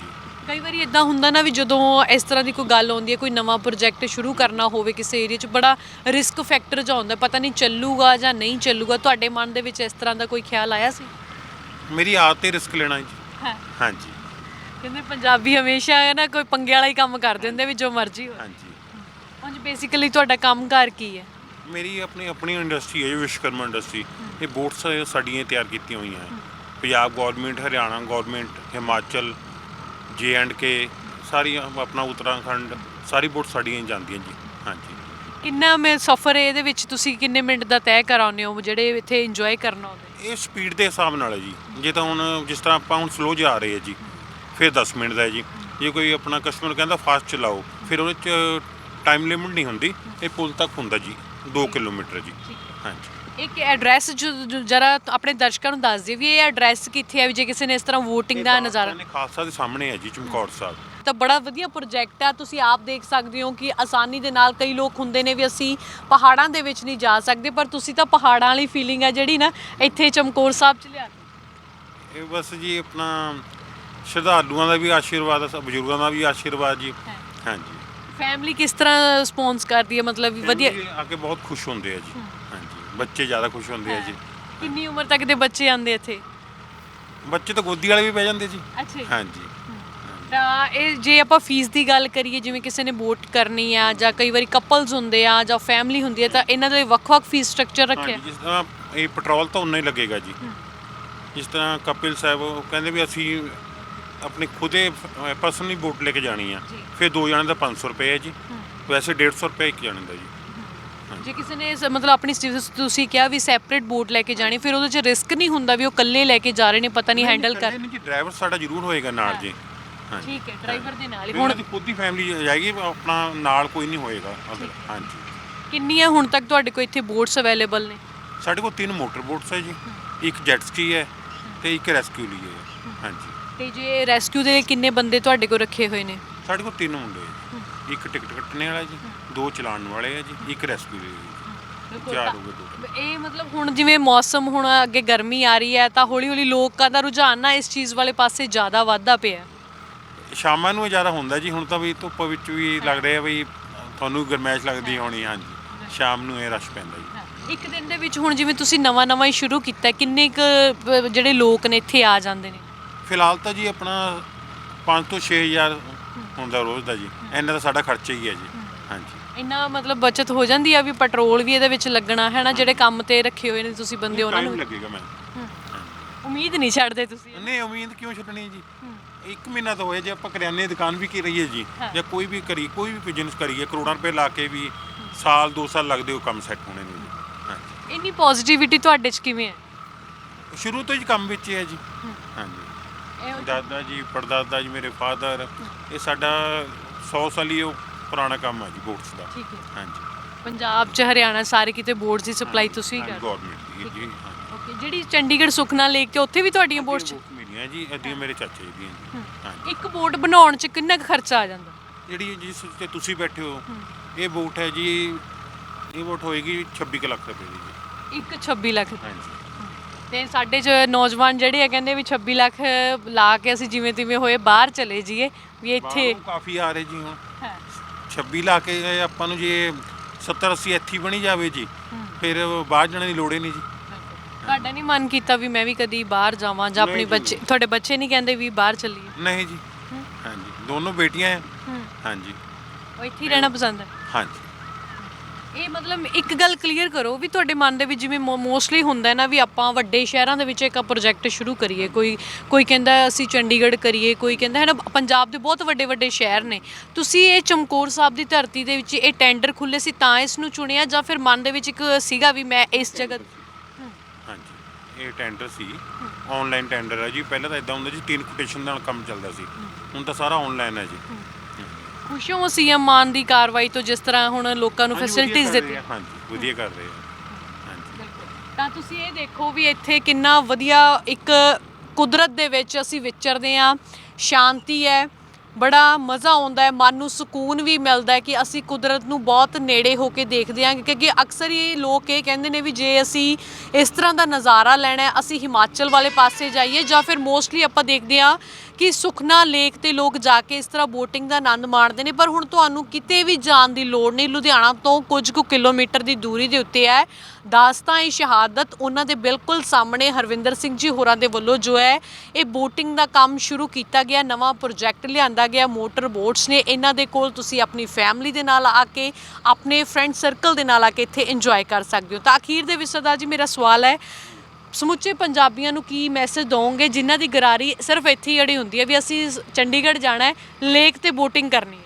A: ਕਈ ਵਾਰੀ ਇਦਾਂ ਹੁੰਦਾ ਨਾ ਵੀ ਜਦੋਂ ਇਸ ਤਰ੍ਹਾਂ ਦੀ ਕੋਈ ਗੱਲ ਆਉਂਦੀ ਹੈ, ਕੋਈ ਨਵਾਂ ਪ੍ਰੋਜੈਕਟ ਸ਼ੁਰੂ ਕਰਨਾ ਹੋਵੇ ਕਿਸੇ ਏਰੀਆ 'ਚ, ਬੜਾ ਰਿਸਕ ਫੈਕਟਰ ਜਿਹਾ ਹੁੰਦਾ, ਪਤਾ ਨਹੀਂ ਚੱਲੂਗਾ ਜਾਂ ਨਹੀਂ ਚੱਲੂਗਾ। ਤੁਹਾਡੇ ਮਨ ਦੇ ਵਿੱਚ ਇਸ ਤਰ੍ਹਾਂ ਦਾ ਕੋਈ ਖਿਆਲ ਆਇਆ ਸੀ?
B: ਮੇਰੀ ਆਦਤ ਹੈ ਰਿਸਕ ਲੈਣਾ ਜੀ।
A: ਹਾਂ,
B: ਹਾਂਜੀ
A: ਕਹਿੰਦੇ ਪੰਜਾਬੀ ਹਮੇਸ਼ਾ ਹੈ ਨਾ ਕੋਈ ਪੰਗੇ ਵਾਲਾ ਹੀ ਕੰਮ ਕਰਦੇ ਹੁੰਦੇ ਵੀ ਜੋ ਮਰਜ਼ੀ ਹੋਵੇ।
B: ਹਾਂਜੀ
A: ਉਂਝ ਬੇਸਿਕਲੀ ਤੁਹਾਡਾ ਕੰਮਕਾਰ ਕੀ ਹੈ?
B: ਮੇਰੀ ਆਪਣੀ ਆਪਣੀ ਇੰਡਸਟਰੀ ਹੈ ਜੀ, ਵਿਸ਼ਵਕਰਮਾ ਇੰਡਸਟਰੀ। ਇਹ ਬੋਟਸ ਸਾਡੀਆਂ ਤਿਆਰ ਕੀਤੀਆਂ ਹੋਈਆਂ ਹੈ। Punjab government, Haryana government, Himachal, J and ਕੇ, ਸਾਰੀਆਂ ਆਪਣਾ ਉੱਤਰਾਖੰਡ, ਸਾਰੀ ਬੋਟ ਸਾਡੀਆਂ ਹੀ ਜਾਂਦੀਆਂ ਜੀ। ਹਾਂਜੀ
A: ਕਿੰਨਾ ਮੈਂ ਸਫ਼ਰ ਇਹਦੇ ਵਿੱਚ ਤੁਸੀਂ ਕਿੰਨੇ ਮਿੰਟ ਦਾ ਤੈਅ ਕਰਾਉਂਦੇ ਹੋ ਜਿਹੜੇ ਇੱਥੇ ਇੰਜੋਏ ਕਰਨ ਆਉਂਦੇ?
B: ਇਹ ਸਪੀਡ ਦੇ ਹਿਸਾਬ ਨਾਲ ਹੈ ਜੀ। ਜੇ ਤਾਂ ਹੁਣ ਜਿਸ ਤਰ੍ਹਾਂ ਆਪਾਂ ਹੁਣ ਸਲੋ ਜਾ ਰਹੇ ਹਾਂ ਜੀ, ਫਿਰ ਦਸ ਮਿੰਟ ਦਾ ਹੈ ਜੀ। ਜੇ ਕੋਈ ਆਪਣਾ ਕਸਟਮਰ ਕਹਿੰਦਾ ਫਾਸਟ ਚਲਾਓ, ਫਿਰ ਉਹਦੇ 'ਚ ਟਾਈਮ ਲਿਮਿਟ ਨਹੀਂ ਹੁੰਦੀ। ਇਹ ਪੁਲ ਤੱਕ ਹੁੰਦਾ ਜੀ, ਦੋ ਕਿਲੋਮੀਟਰ ਜੀ। ਹਾਂਜੀ
A: ਇੱਕ ਐਡਰੈਸ ਜਰਾ ਆਪਣੇ ਦਰਸ਼ਕਾਂ ਨੂੰ ਦੱਸ ਦਿਓ ਵੀ ਇਹ ਐਡਰੈਸ ਕਿੱਥੇ ਹੈ, ਵੀ ਜੇ ਕਿਸੇ ਨੇ ਇਸ ਤਰ੍ਹਾਂ VOTING ਦਾ ਨਜ਼ਾਰਾ।
B: ਇਹ ਖਾਲਸਾ ਦੇ ਸਾਹਮਣੇ ਹੈ ਜੀ, ਚਮਕੌਰ ਸਾਹਿਬ।
A: ਤਾਂ ਬੜਾ ਵਧੀਆ ਪ੍ਰੋਜੈਕਟ ਆ, ਤੁਸੀਂ ਆਪ ਦੇਖ ਸਕਦੇ ਹੋ ਕਿ ਆਸਾਨੀ ਦੇ ਨਾਲ ਕਈ ਲੋਕ ਹੁੰਦੇ ਨੇ ਵੀ ਅਸੀਂ ਪਹਾੜਾਂ ਦੇ ਵਿੱਚ ਨਹੀਂ ਜਾ ਸਕਦੇ, ਪਰ ਤੁਸੀਂ ਤਾਂ ਪਹਾੜਾਂ ਵਾਲੀ ਫੀਲਿੰਗ ਹੈ ਜਿਹੜੀ ਨਾ ਇੱਥੇ ਚਮਕੌਰ ਸਾਹਿਬ 'ਚ ਲਿਆ ਦਿੱਤੀ।
B: ਇਹ ਬਸ ਜੀ ਆਪਣਾ ਸ਼ਰਧਾਲੂਆਂ ਦਾ ਵੀ ਆਸ਼ੀਰਵਾਦ ਹੈ, ਬਜ਼ੁਰਗਾਂ ਦਾ ਵੀ ਆਸ਼ੀਰਵਾਦ ਜੀ। ਹਾਂਜੀ
A: ਫੈਮਿਲੀ ਕਿਸ ਤਰ੍ਹਾਂ ਰਿਸਪੌਂਸ ਕਰਦੀ ਹੈ, ਮਤਲਬ ਵੀ ਵਧੀਆ?
B: Family ਆ ਕੇ ਬਹੁਤ ਖੁਸ਼ ਹੁੰਦੇ ਆ ਜੀ। ਹਾਂਜੀ ਬੱਚੇ ਜ਼ਿਆਦਾ ਖੁਸ਼ ਹੁੰਦੇ ਆ ਜੀ।
A: ਕਿੰਨੀ ਉਮਰ ਤੱਕ ਦੇ ਬੱਚੇ ਆਉਂਦੇ ਇੱਥੇ?
B: ਬੱਚੇ ਤਾਂ ਗੋਦੀ ਵਾਲੇ ਵੀ ਬਹਿ ਜਾਂਦੇ ਜੀ।
A: ਅੱਛਾ ਜੀ।
B: ਹਾਂਜੀ
A: ਤਾਂ ਇਹ ਜੇ ਆਪਾਂ ਫੀਸ ਦੀ ਗੱਲ ਕਰੀਏ, ਜਿਵੇਂ ਕਿਸੇ ਨੇ ਵੋਟ ਕਰਨੀ ਆ ਜਾਂ ਕਈ ਵਾਰੀ ਕਪਲਸ ਹੁੰਦੇ ਆ ਜਾਂ ਫੈਮਿਲੀ ਹੁੰਦੀ ਹੈ, ਤਾਂ ਇਹਨਾਂ ਦੇ ਵੱਖ-ਵੱਖ ਫੀਸ ਸਟਰਕਚਰ ਰੱਖਿਆ?
B: ਹਾਂਜੀ, ਜਿਸ ਤਰ੍ਹਾਂ ਇਹ ਪੈਟਰੋਲ ਤਾਂ ਉਨਾ ਹੀ ਲੱਗੇਗਾ ਜੀ। ਜਿਸ ਤਰ੍ਹਾਂ ਕਪਿਲ ਸਾਹਿਬ ਉਹ ਕਹਿੰਦੇ ਵੀ ਅਸੀਂ ਆਪਣੀ ਖੁਦੇ ਪਰਸਨਲੀ ਵੋਟ ਲੈ ਕੇ ਜਾਣੀ ਆ, ਫਿਰ ਦੋ ਜਣੇ ਦਾ ਪੰਜ ਸੌ ਰੁਪਏ ਹੈ ਜੀ। ਵੈਸੇ ਡੇਢ ਸੌ ਰੁਪਏ ਇੱਕ ਜਣੇ ਦਾ ਜੀ।
A: ਜੇ ਕਿਸੇ ਨੇ ਸ- ਮਤਲਬ ਆਪਣੀ ਸ- ਤੁਸੀਂ ਕਿਹਾ ਵੀ ਸੈਪਰੇਟ ਵੋਟ ਲੈ ਕੇ ਜਾਣੀ, ਫਿਰ ਉਹਦੇ 'ਚ ਰਿਸਕ ਨਹੀਂ ਹੁੰਦਾ ਵੀ ਉਹ ਇਕੱਲੇ ਲੈ ਕੇ ਜਾ ਰਹੇ ਨੇ, ਪਤਾ ਨਹੀਂ ਹੈਂਡਲ ਕਰ?
B: ਨਹੀਂ ਜੀ, ਡਰਾਈਵਰ ਸਾਡਾ ਜ਼ਰੂਰ ਹੋਏਗਾ ਨਾਲ ਜੀ। ਹਾਂਜੀ
A: ਠੀਕ ਹੈ, ਡਰਾਈਵਰ ਦੇ ਨਾਲ ਹੀ।
B: ਹੁਣ
A: ਹੁਣ
B: ਦੀ ਖੁਦ ਦੀ ਫੈਮਿਲੀ ਜਾਏਗੀ, ਆਪਣਾ ਨਾਲ ਕੋਈ ਨਹੀਂ ਹੋਏਗਾ ਅਗਰ। ਹਾਂਜੀ
A: ਕਿੰਨੀਆਂ ਹੁਣ ਤੱਕ ਤੁਹਾਡੇ ਕੋਲ ਇੱਥੇ ਬੋਟਸ ਅਵੇਲੇਬਲ ਨੇ?
B: ਸਾਡੇ ਕੋਲ ਤਿੰਨ ਮੋਟਰ ਬੋਟਸ ਹੈ ਜੀ, ਇੱਕ ਜੈਟ ਸਕੀ ਹੈ ਤੇ ਇੱਕ ਰੈਸਕਿਊ ਲਈ ਹੈ। ਹਾਂਜੀ
A: ਤੇ ਜੇ ਰੈਸਕਿਊ ਦੇ ਲਈ ਕਿੰਨੇ ਬੰਦੇ ਤੁਹਾਡੇ ਕੋਲ ਰੱਖੇ ਹੋਏ ਨੇ?
B: ਸਾਡੇ ਕੋਲ ਤਿੰਨ ਮੁੰਡੇ ਹੈ ਜੀ। ਇੱਕ ਟਿਕਟ ਕੱਟਣੇ ਵਾਲਾ ਜੀ, ਦੋ ਚਲਾਉਣ ਵਾਲੇ ਹੈ ਜੀ, ਇੱਕ ਰੈਸਕਿਊ ਲਈ ਹੈ ਜੀ। ਚਾਰ ਹੋ ਗਏ ਟੋਟਲ।
A: ਇਹ ਮਤਲਬ ਹੁਣ ਜਿਵੇਂ ਮੌਸਮ ਹੁਣ ਅੱਗੇ ਗਰਮੀ ਆ ਰਹੀ ਹੈ, ਤਾਂ ਹੌਲੀ ਹੌਲੀ ਲੋਕਾਂ ਦਾ ਰੁਝਾਨ ਨਾ ਇਸ ਚੀਜ਼ ਵਾਲੇ ਪਾਸੇ ਜ਼ਿਆਦਾ ਵੱਧਦਾ ਪਿਆ।
B: ਸ਼ਾਮਾਂ ਨੂੰ ਜ਼ਿਆਦਾ ਹੁੰਦਾ ਜੀ। ਹੁਣ ਤਾਂ ਵੀ ਧੁੱਪ ਵਿੱਚ ਵੀ ਲੱਗ ਰਿਹਾ ਵੀ ਤੁਹਾਨੂੰ ਗਰਮੈਸ਼ ਲੱਗਦੀ ਹੋਣੀ। ਹਾਂਜੀ ਸ਼ਾਮ ਨੂੰ ਇਹ ਰਸ਼ ਪੈਂਦਾ ਜੀ।
A: ਇੱਕ ਦਿਨ ਦੇ ਵਿੱਚ ਹੁਣ ਜਿਵੇਂ ਤੁਸੀਂ ਨਵਾਂ ਨਵਾਂ ਹੀ ਸ਼ੁਰੂ ਕੀਤਾ, ਕਿੰਨੇ ਕੁ ਜਿਹੜੇ ਲੋਕ ਨੇ ਇੱਥੇ ਆ ਜਾਂਦੇ ਨੇ?
B: ਫਿਲਹਾਲ ਤਾਂ ਜੀ ਆਪਣਾ ਪੰਜ ਤੋਂ ਛੇ ਹਜ਼ਾਰ ਹੁੰਦਾ ਰੋਜ਼ ਦਾ ਜੀ। ਇੰਨਾ ਤਾਂ ਸਾਡਾ ਖਰਚਾ ਹੀ ਹੈ ਜੀ। ਹਾਂਜੀ
A: ਇੰਨਾ ਮਤਲਬ ਬਚਤ ਹੋ ਜਾਂਦੀ ਆ ਵੀ ਪੈਟਰੋਲ ਵੀ ਇਹਦੇ ਵਿੱਚ ਲੱਗਣਾ ਹੈ ਨਾ, ਜਿਹੜੇ ਕੰਮ ਤੇ ਰੱਖੇ ਹੋਏ ਨੇ ਤੁਸੀਂ ਬੰਦੇ ਉਹਨਾਂ
B: ਟਾਈਮ
A: ਨੂੰ
B: ਲੱਗੇਗਾ। ਮੈਂ
A: ਉਮੀਦ ਨਹੀਂ ਛੱਡਦੇ ਤੁਸੀਂ?
B: ਨਹੀਂ ਉਮੀਦ ਕਿਉਂ ਛੱਡਣੀ ਜੀ। ਇੱਕ ਮਹੀਨਾ ਤਾਂ ਹੋਇਆ ਜੇ ਆਪਾਂ ਕਰਿਆਨੇ ਦੀ ਦੁਕਾਨ ਵੀ ਕੀ ਰਹੀਏ ਜੀ, ਜਾਂ ਕੋਈ ਵੀ ਕਰੀ ਕੋਈ ਵੀ ਬਿਜ਼ਨਸ ਕਰੀਏ, ਕਰੋੜਾਂ ਰੁਪਏ ਲਾ ਕੇ ਵੀ ਸਾਲ ਦੋ ਸਾਲ ਲੱਗਦੇ ਉਹ ਕੰਮ ਸੈੱਟ ਹੋਣੇ ਨੂੰ ਜੀ। ਹਾਂਜੀ
A: ਇੰਨੀ ਪੋਜ਼ਿਟਿਵਿਟੀ ਤੁਹਾਡੇ 'ਚ ਕਿਵੇਂ ਹੈ?
B: ਸ਼ੁਰੂ ਤੋਂ ਹੀ ਕੰਮ ਵਿੱਚ ਹੀ ਹੈ ਜੀ। ਹਾਂਜੀ ਦਾਦਾ ਜੀ, ਪੜਦਾਦਾ ਜੀ, ਮੇਰੇ ਫਾਦਰ, ਇਹ ਸਾਡਾ ਸੌ ਸਾਲੀ ਉਹ ਪੁਰਾਣਾ ਕੰਮ ਹੈ ਜੀ ਬੋਟਸ ਦਾ।
A: ਠੀਕ ਹੈ।
B: ਹਾਂਜੀ
A: ਪੰਜਾਬ 'ਚ ਹਰਿਆਣਾ ਸਾਰੇ ਕਿਤੇ ਬੋਟਸ ਦੀ ਸਪਲਾਈ ਤੁਸੀਂ ਕਰਦੇ?
B: ਗਵਰਨਮੈਂਟ ਦੀ ਜੀ।
A: ਓਕੇ, ਜਿਹੜੀ ਚੰਡੀਗੜ੍ਹ ਸੁਖਨਾ ਲੇਕ ਤੇ ਉੱਥੇ ਵੀ ਤੁਹਾਡੀਆਂ ਬੋਟਸ?
B: ਮਿਲੀਆਂ ਜੀ, ਅੱਧੀਆਂ ਮੇਰੇ ਚਾਚੇ ਦੀਆਂ ਜੀ। ਹਾਂਜੀ
A: ਇੱਕ ਬੋਟ ਬਣਾਉਣ 'ਚ ਕਿੰਨਾ ਕੁ ਖਰਚਾ ਆ ਜਾਂਦਾ?
B: ਜਿਹੜੀ ਜਿਸ ਤੇ ਤੁਸੀਂ ਬੈਠੇ ਹੋ, ਇਹ ਬੋਟ ਹੈ ਜੀ, ਇਹ ਬੋਟ ਹੋਏਗੀ ਛੱਬੀ ਕੁ ਲੱਖ ਰੁਪਏ ਦੀ ਜੀ।
A: ਇੱਕ ਛੱਬੀ ਲੱਖ?
B: ਹਾਂਜੀ
A: ਤੇ ਸਾਡੇ 'ਚ ਨੌਜਵਾਨ ਜਿਹੜੇ ਆ ਕਹਿੰਦੇ ਵੀ ਛੱਬੀ ਲੱਖ ਲਾ ਕੇ ਅਸੀਂ ਜਿਵੇਂ ਤਿਵੇਂ ਹੋਏ ਬਾਹਰ ਚਲੇ ਜਾਈਏ, ਵੀ ਇੱਥੇ
B: ਬਾਹਰੋਂ ਕਾਫੀ ਆ ਰਹੇ ਜੀ। ਹੁਣ
A: ਹੈ
B: ਛੱਬੀ ਲਾ ਕੇ ਆਪਾਂ ਨੂੰ ਜੇ ਸੱਤਰ ਅੱਸੀ ਇੱਥੇ ਬਣੀ ਜਾਵੇ ਜੀ, ਫਿਰ ਬਾਹਰ ਜਾਣ ਦੀ ਲੋੜ ਹੀ ਨਹੀਂ ਜੀ।
A: ਤੁਹਾਡਾ ਨਹੀਂ ਮਨ ਕੀਤਾ ਵੀ ਮੈਂ ਵੀ ਕਦੀ ਬਾਹਰ ਜਾਵਾਂ ਜਾਂ ਆਪਣੇ
B: ਨਹੀਂ ਜੀ।
A: ਬੱਚੇ, ਤੁਹਾਡੇ ਬੱਚੇ ਨਹੀਂ ਕਹਿੰਦੇ ਵੀ ਬਾਹਰ ਚੱਲੀਏ?
B: ਨਹੀਂ ਜੀ। ਹਾਂਜੀ ਦੋਨੋਂ ਬੇਟੀਆਂ ਹੈ। ਹਾਂਜੀ
A: ਉਹ ਇੱਥੇ ਹੀ ਰਹਿਣਾ ਪਸੰਦ ਹੈ?
B: ਹਾਂਜੀ
A: ਇਹ ਮਤਲਬ ਇੱਕ ਗੱਲ ਕਲੀਅਰ ਕਰੋ ਵੀ ਤੁਹਾਡੇ ਮਨ ਦੇ ਵਿੱਚ ਜਿਵੇਂ ਮੋਸਟਲੀ ਹੁੰਦਾ ਹੈ ਨਾ ਵੀ ਆਪਾਂ ਵੱਡੇ ਸ਼ਹਿਰਾਂ ਦੇ ਵਿੱਚ ਇੱਕ ਪ੍ਰੋਜੈਕਟ ਸ਼ੁਰੂ ਕਰੀਏ, ਕੋਈ ਕੋਈ ਕਹਿੰਦਾ ਅਸੀਂ ਚੰਡੀਗੜ੍ਹ ਕਰੀਏ, ਕੋਈ ਕਹਿੰਦਾ ਹੈ ਨਾ ਪੰਜਾਬ ਦੇ ਬਹੁਤ ਵੱਡੇ ਵੱਡੇ ਸ਼ਹਿਰ ਨੇ। ਤੁਸੀਂ ਇਹ ਚਮਕੌਰ ਸਾਹਿਬ ਦੀ ਧਰਤੀ ਦੇ ਵਿੱਚ ਇਹ ਟੈਂਡਰ ਖੁੱਲੇ ਸੀ ਤਾਂ ਇਸ ਨੂੰ ਚੁਣਿਆ, ਜਾਂ ਫਿਰ ਮਨ ਦੇ ਵਿੱਚ ਇੱਕ ਸੀਗਾ ਵੀ ਮੈਂ ਇਸ ਜਗ੍ਹਾ?
B: ਹਾਂਜੀ ਇਹ ਟੈਂਡਰ ਸੀ, ਆਨਲਾਈਨ ਟੈਂਡਰ ਹੈ ਜੀ। ਪਹਿਲਾਂ ਤਾਂ ਇਦਾਂ ਹੁੰਦਾ ਜੀ, ਤਿੰਨ ਕੋਟੇਸ਼ਨ ਨਾਲ ਕੰਮ ਚੱਲਦਾ ਸੀ, ਹੁਣ ਤਾਂ ਸਾਰਾ ਆਨਲਾਈਨ ਹੈ ਜੀ।
A: ਖੁਸ਼ ਹੋ ਸੀਐਮ ਮਾਨ ਦੀ ਕਾਰਵਾਈ ਤੋਂ, ਜਿਸ ਤਰ੍ਹਾਂ ਹੁਣ ਲੋਕਾਂ ਨੂੰ
B: ਹਾਂਜੀ,
A: ਫੈਸਿਲਿਟੀਜ਼
B: ਵਧੀਆ ਕਰ ਰਹੇ
A: ਦਿੱਤੀ?
B: ਆ। ਹਾਂਜੀ ਵਧੀਆ ਕਰ ਰਹੇ ਆ। ਹਾਂਜੀ
A: ਤਾਂ ਤੁਸੀਂ ਇਹ ਦੇਖੋ ਵੀ ਇੱਥੇ ਕਿੰਨਾ ਵਧੀਆ ਇੱਕ ਕੁਦਰਤ ਦੇ ਵਿੱਚ ਅਸੀਂ ਵਿਚਰਦੇ ਹਾਂ, ਸ਼ਾਂਤੀ ਹੈ, ਬੜਾ ਮਜ਼ਾ ਆਉਂਦਾ ਹੈ, ਮਨ ਨੂੰ ਸਕੂਨ ਵੀ ਮਿਲਦਾ ਹੈ ਕਿ ਅਸੀਂ ਕੁਦਰਤ ਨੂੰ ਬਹੁਤ ਨੇੜੇ ਹੋ ਕੇ ਦੇਖਦੇ ਹਾਂ। ਕਿਉਂਕਿ ਅਕਸਰ ਹੀ ਲੋਕ ਇਹ ਕਹਿੰਦੇ ਨੇ ਵੀ ਜੇ ਅਸੀਂ ਇਸ ਤਰ੍ਹਾਂ ਦਾ ਨਜ਼ਾਰਾ ਲੈਣਾ ਹੈ ਅਸੀਂ ਹਿਮਾਚਲ ਵਾਲੇ ਪਾਸੇ ਜਾਈਏ, ਜਾਂ ਫਿਰ ਮੋਸਟਲੀ ਆਪਾਂ ਦੇਖਦੇ ਹਾਂ ਕਿ ਸੁਖਨਾ ਲੇਕ ਤੇ ਲੋਕ ਜਾ ਕੇ ਇਸ ਤਰ੍ਹਾਂ ਬੋਟਿੰਗ ਦਾ ਆਨੰਦ ਮਾਣਦੇ ਨੇ। ਪਰ ਹੁਣ ਤੁਹਾਨੂੰ ਕਿਤੇ ਵੀ ਜਾਣ ਦੀ ਲੋੜ ਨਹੀਂ, ਲੁਧਿਆਣਾ ਤੋਂ ਕੁਝ ਕੁ ਕਿਲੋਮੀਟਰ ਦੀ ਦੂਰੀ ਦੇ ਉੱਤੇ ਹੈ ਦਾਸਤਾਨ-ਏ ਸ਼ਹਾਦਤ। ਉਹਨਾਂ ਦੇ ਬਿਲਕੁਲ ਸਾਹਮਣੇ ਹਰਵਿੰਦਰ ਸਿੰਘ ਜੀ ਹੋਰਾਂ ਦੇ ਵੱਲੋਂ ਜੋ ਹੈ ਇਹ ਬੋਟਿੰਗ ਦਾ ਕੰਮ ਸ਼ੁਰੂ ਕੀਤਾ ਗਿਆ, ਨਵਾਂ ਪ੍ਰੋਜੈਕਟ ਲਿਆਂਦਾ ਗਿਆ। ਮੋਟਰ ਬੋਟਸ ਨੇ ਇਹਨਾਂ ਦੇ ਕੋਲ, ਤੁਸੀਂ ਆਪਣੀ ਫੈਮਿਲੀ ਦੇ ਨਾਲ ਆ ਕੇ, ਆਪਣੇ ਫਰੈਂਡ ਸਰਕਲ ਦੇ ਨਾਲ ਆ ਕੇ ਇੱਥੇ ਇੰਜੋਏ ਕਰ ਸਕਦੇ ਹੋ। ਤਾਂ ਅਖੀਰ ਦੇ ਵਿੱਚ ਸਰਦਾਰ ਜੀ ਮੇਰਾ ਸਵਾਲ ਹੈ, ਸਮੁੱਚੇ ਪੰਜਾਬੀਆਂ ਨੂੰ ਕੀ ਮੈਸੇਜ ਦੋਗੇ ਜਿਨ੍ਹਾਂ ਦੀ ਗਰਾਰੀ ਸਿਰਫ ਇੱਥੇ ਹੀ ਅੜੀ ਹੁੰਦੀ ਹੈ ਵੀ ਅਸੀਂ ਚੰਡੀਗੜ੍ਹ ਜਾਣਾ ਹੈ, ਲੇਕ ਤੇ ਬੋਟਿੰਗ ਕਰਨੀ ਹੈ?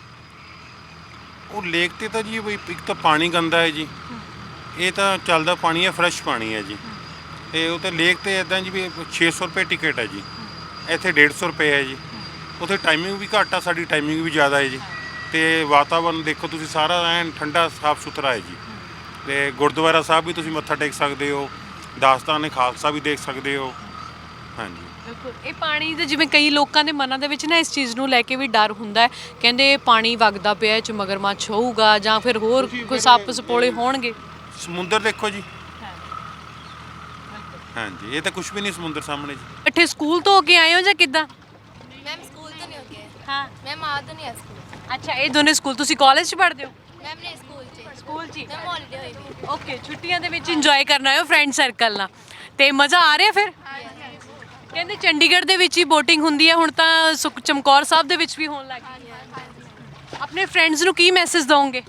B: ਉਹ ਲੇਕ ਤੇ ਤਾਂ ਜੀ ਬਈ ਇੱਕ ਤਾਂ ਪਾਣੀ ਗੰਦਾ ਹੈ ਜੀ, ਇਹ ਤਾਂ ਚੱਲਦਾ ਪਾਣੀ ਹੈ, ਫਰੈਸ਼ ਪਾਣੀ ਹੈ ਜੀ। ਤੇ ਉਹ ਤੇ ਲੇਕ ਤੇ ਇਦਾਂ ਜੀ ਵੀ ਛੇ ਸੌ ਰੁਪਏ ਟਿਕਟ ਹੈ ਜੀ, ਇੱਥੇ ਡੇਢ ਸੌ ਰੁਪਏ ਹੈ ਜੀ। ਉੱਥੇ ਟਾਈਮਿੰਗ ਵੀ ਘੱਟ ਆ, ਸਾਡੀ ਟਾਈਮਿੰਗ ਵੀ ਜ਼ਿਆਦਾ ਹੈ ਜੀ। ਤੇ ਵਾਤਾਵਰਨ ਦੇਖੋ ਤੁਸੀਂ, ਸਾਰਾ ਐਨ ਠੰਡਾ ਸਾਫ ਸੁਥਰਾ ਹੈ ਜੀ। ਤੇ ਗੁਰਦੁਆਰਾ ਸਾਹਿਬ ਵੀ ਤੁਸੀਂ ਮੱਥਾ ਟੇਕ ਸਕਦੇ ਹੋ, ਦਾਸਤਾਨ-ਏ ਖਾਲਸਾ ਵੀ ਦੇਖ ਸਕਦੇ ਹੋ। ਹਾਂਜੀ
A: ਬਿਲਕੁਲ। ਇਹ ਪਾਣੀ ਦੇ ਜਿਵੇਂ ਕਈ ਲੋਕਾਂ ਦੇ ਮਨਾਂ ਦੇ ਵਿੱਚ ਨਾ ਇਸ ਚੀਜ਼ ਨੂੰ ਲੈ ਕੇ ਵੀ ਡਰ ਹੁੰਦਾ ਹੈ, ਕਹਿੰਦੇ ਪਾਣੀ ਵਗਦਾ ਪਿਆ, ਇਹ 'ਚ ਮਗਰਮੱਛ ਹੋਊਗਾ ਜਾਂ ਫਿਰ ਹੋਰ ਕੋਈ ਸੱਪ ਸਪੋਲੇ ਹੋਣਗੇ।
B: ਸਮੁੰਦਰ ਦੇਖੋ ਜੀ, ਹਾਂਜੀ ਇਹ ਤਾਂ ਕੁਝ ਵੀ ਨਹੀਂ ਸਮੁੰਦਰ ਸਾਹਮਣੇ ਜੀ।
A: ਇੱਥੇ ਸਕੂਲ ਤੋਂ ਹੋ ਕੇ ਆਏ ਹੋ ਜਾਂ ਕਿੱਦਾਂ?
C: ਮੈਮ ਸਕੂਲ ਤੋਂ ਨਹੀਂ ਹੋ ਗਏ।
A: ਹਾਂ
C: ਮੈਮ ਆ ਤਾਂ ਨਹੀਂ ਆ ਸਕੂਲ।
A: ਅੱਛਾ, ਇਹ ਦੋਨੇ ਸਕੂਲ, ਤੁਸੀਂ ਕਾਲਜ 'ਚ ਪੜ੍ਹਦੇ ਹੋ?
C: ਮੈਮ ਨੇ ਸਕੂਲ 'ਚ
A: ਸਕੂਲ 'ਚ ਹੀ?
C: ਮੈਮ ਹੌਲੀਡੇ ਹੋਈ ਨਹੀਂ।
A: ਓਕੇ, ਛੁੱਟੀਆਂ ਦੇ ਵਿੱਚ ਇੰਜੋਏ ਕਰਨਾ ਹੈ ਫਰੈਂਡ ਸਰਕਲ ਨਾਲ, ਤੇ ਮਜ਼ਾ ਆ ਰਿਹਾ ਫਿਰ? ਕਹਿੰਦੇ ਚੰਡੀਗੜ੍ਹ ਦੇ ਵਿੱਚ ਹੀ ਬੋਟਿੰਗ ਹੁੰਦੀ ਹੈ, ਹੁਣ ਤਾਂ ਸੁਖ ਚਮਕੌਰ ਸਾਹਿਬ ਦੇ ਵਿੱਚ ਵੀ ਹੋਣ ਲੱਗ ਗਈ। ਆਪਣੇ ਫਰੈਂਡਸ ਨੂੰ ਕੀ ਮੈਸੇਜ ਦੋਗੇ?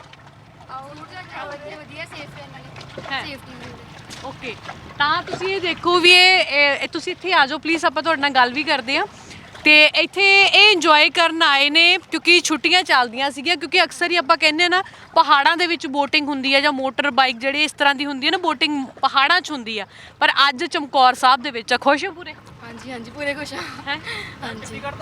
C: ਵਧੀਆ ਸੇਫ ਹੈ ਨਾਲੇ ਸੇਫਟੀ।
A: ਓਕੇ, ਤਾਂ ਤੁਸੀਂ ਇਹ ਦੇਖੋ ਵੀ ਇਹ ਇਹ- ਤੁਸੀਂ ਇੱਥੇ ਆ ਜਾਓ ਪਲੀਜ਼, ਆਪਾਂ ਤੁਹਾਡੇ ਨਾਲ ਗੱਲ ਵੀ ਕਰਦੇ ਹਾਂ। ਤੇ ਇੱਥੇ ਇਹ ਇੰਜੋਏ ਕਰਨ ਆਏ ਨੇ ਕਿਉਂਕਿ ਛੁੱਟੀਆਂ ਚੱਲਦੀਆਂ ਸੀਗੀਆਂ, ਕਿਉਂਕਿ ਅਕਸਰ ਹੀ ਆਪਾਂ ਕਹਿੰਦੇ ਨਾ ਪਹਾੜਾਂ ਦੇ ਵਿੱਚ ਬੋਟਿੰਗ ਹੁੰਦੀ ਹੈ ਜਾਂ ਮੋਟਰ ਬਾਈਕ ਜਿਹੜੀ ਇਸ ਤਰ੍ਹਾਂ ਦੀ ਹੁੰਦੀ ਹੈ ਨਾ, ਬੋਟਿੰਗ ਪਹਾੜਾਂ 'ਚ ਹੁੰਦੀ ਆ, ਪਰ ਅੱਜ ਚਮਕੌਰ ਸਾਹਿਬ ਦੇ ਵਿੱਚ ਆ। ਖੁਸ਼ ਹੋ ਪੂਰੇ?
C: ਹਾਂਜੀ ਹਾਂਜੀ ਪੂਰੇ ਖੁਸ਼ ਹਾਂ।
A: ਹੈ
C: ਹਾਂਜੀ
A: ਚੰਡੀਗੜ੍ਹ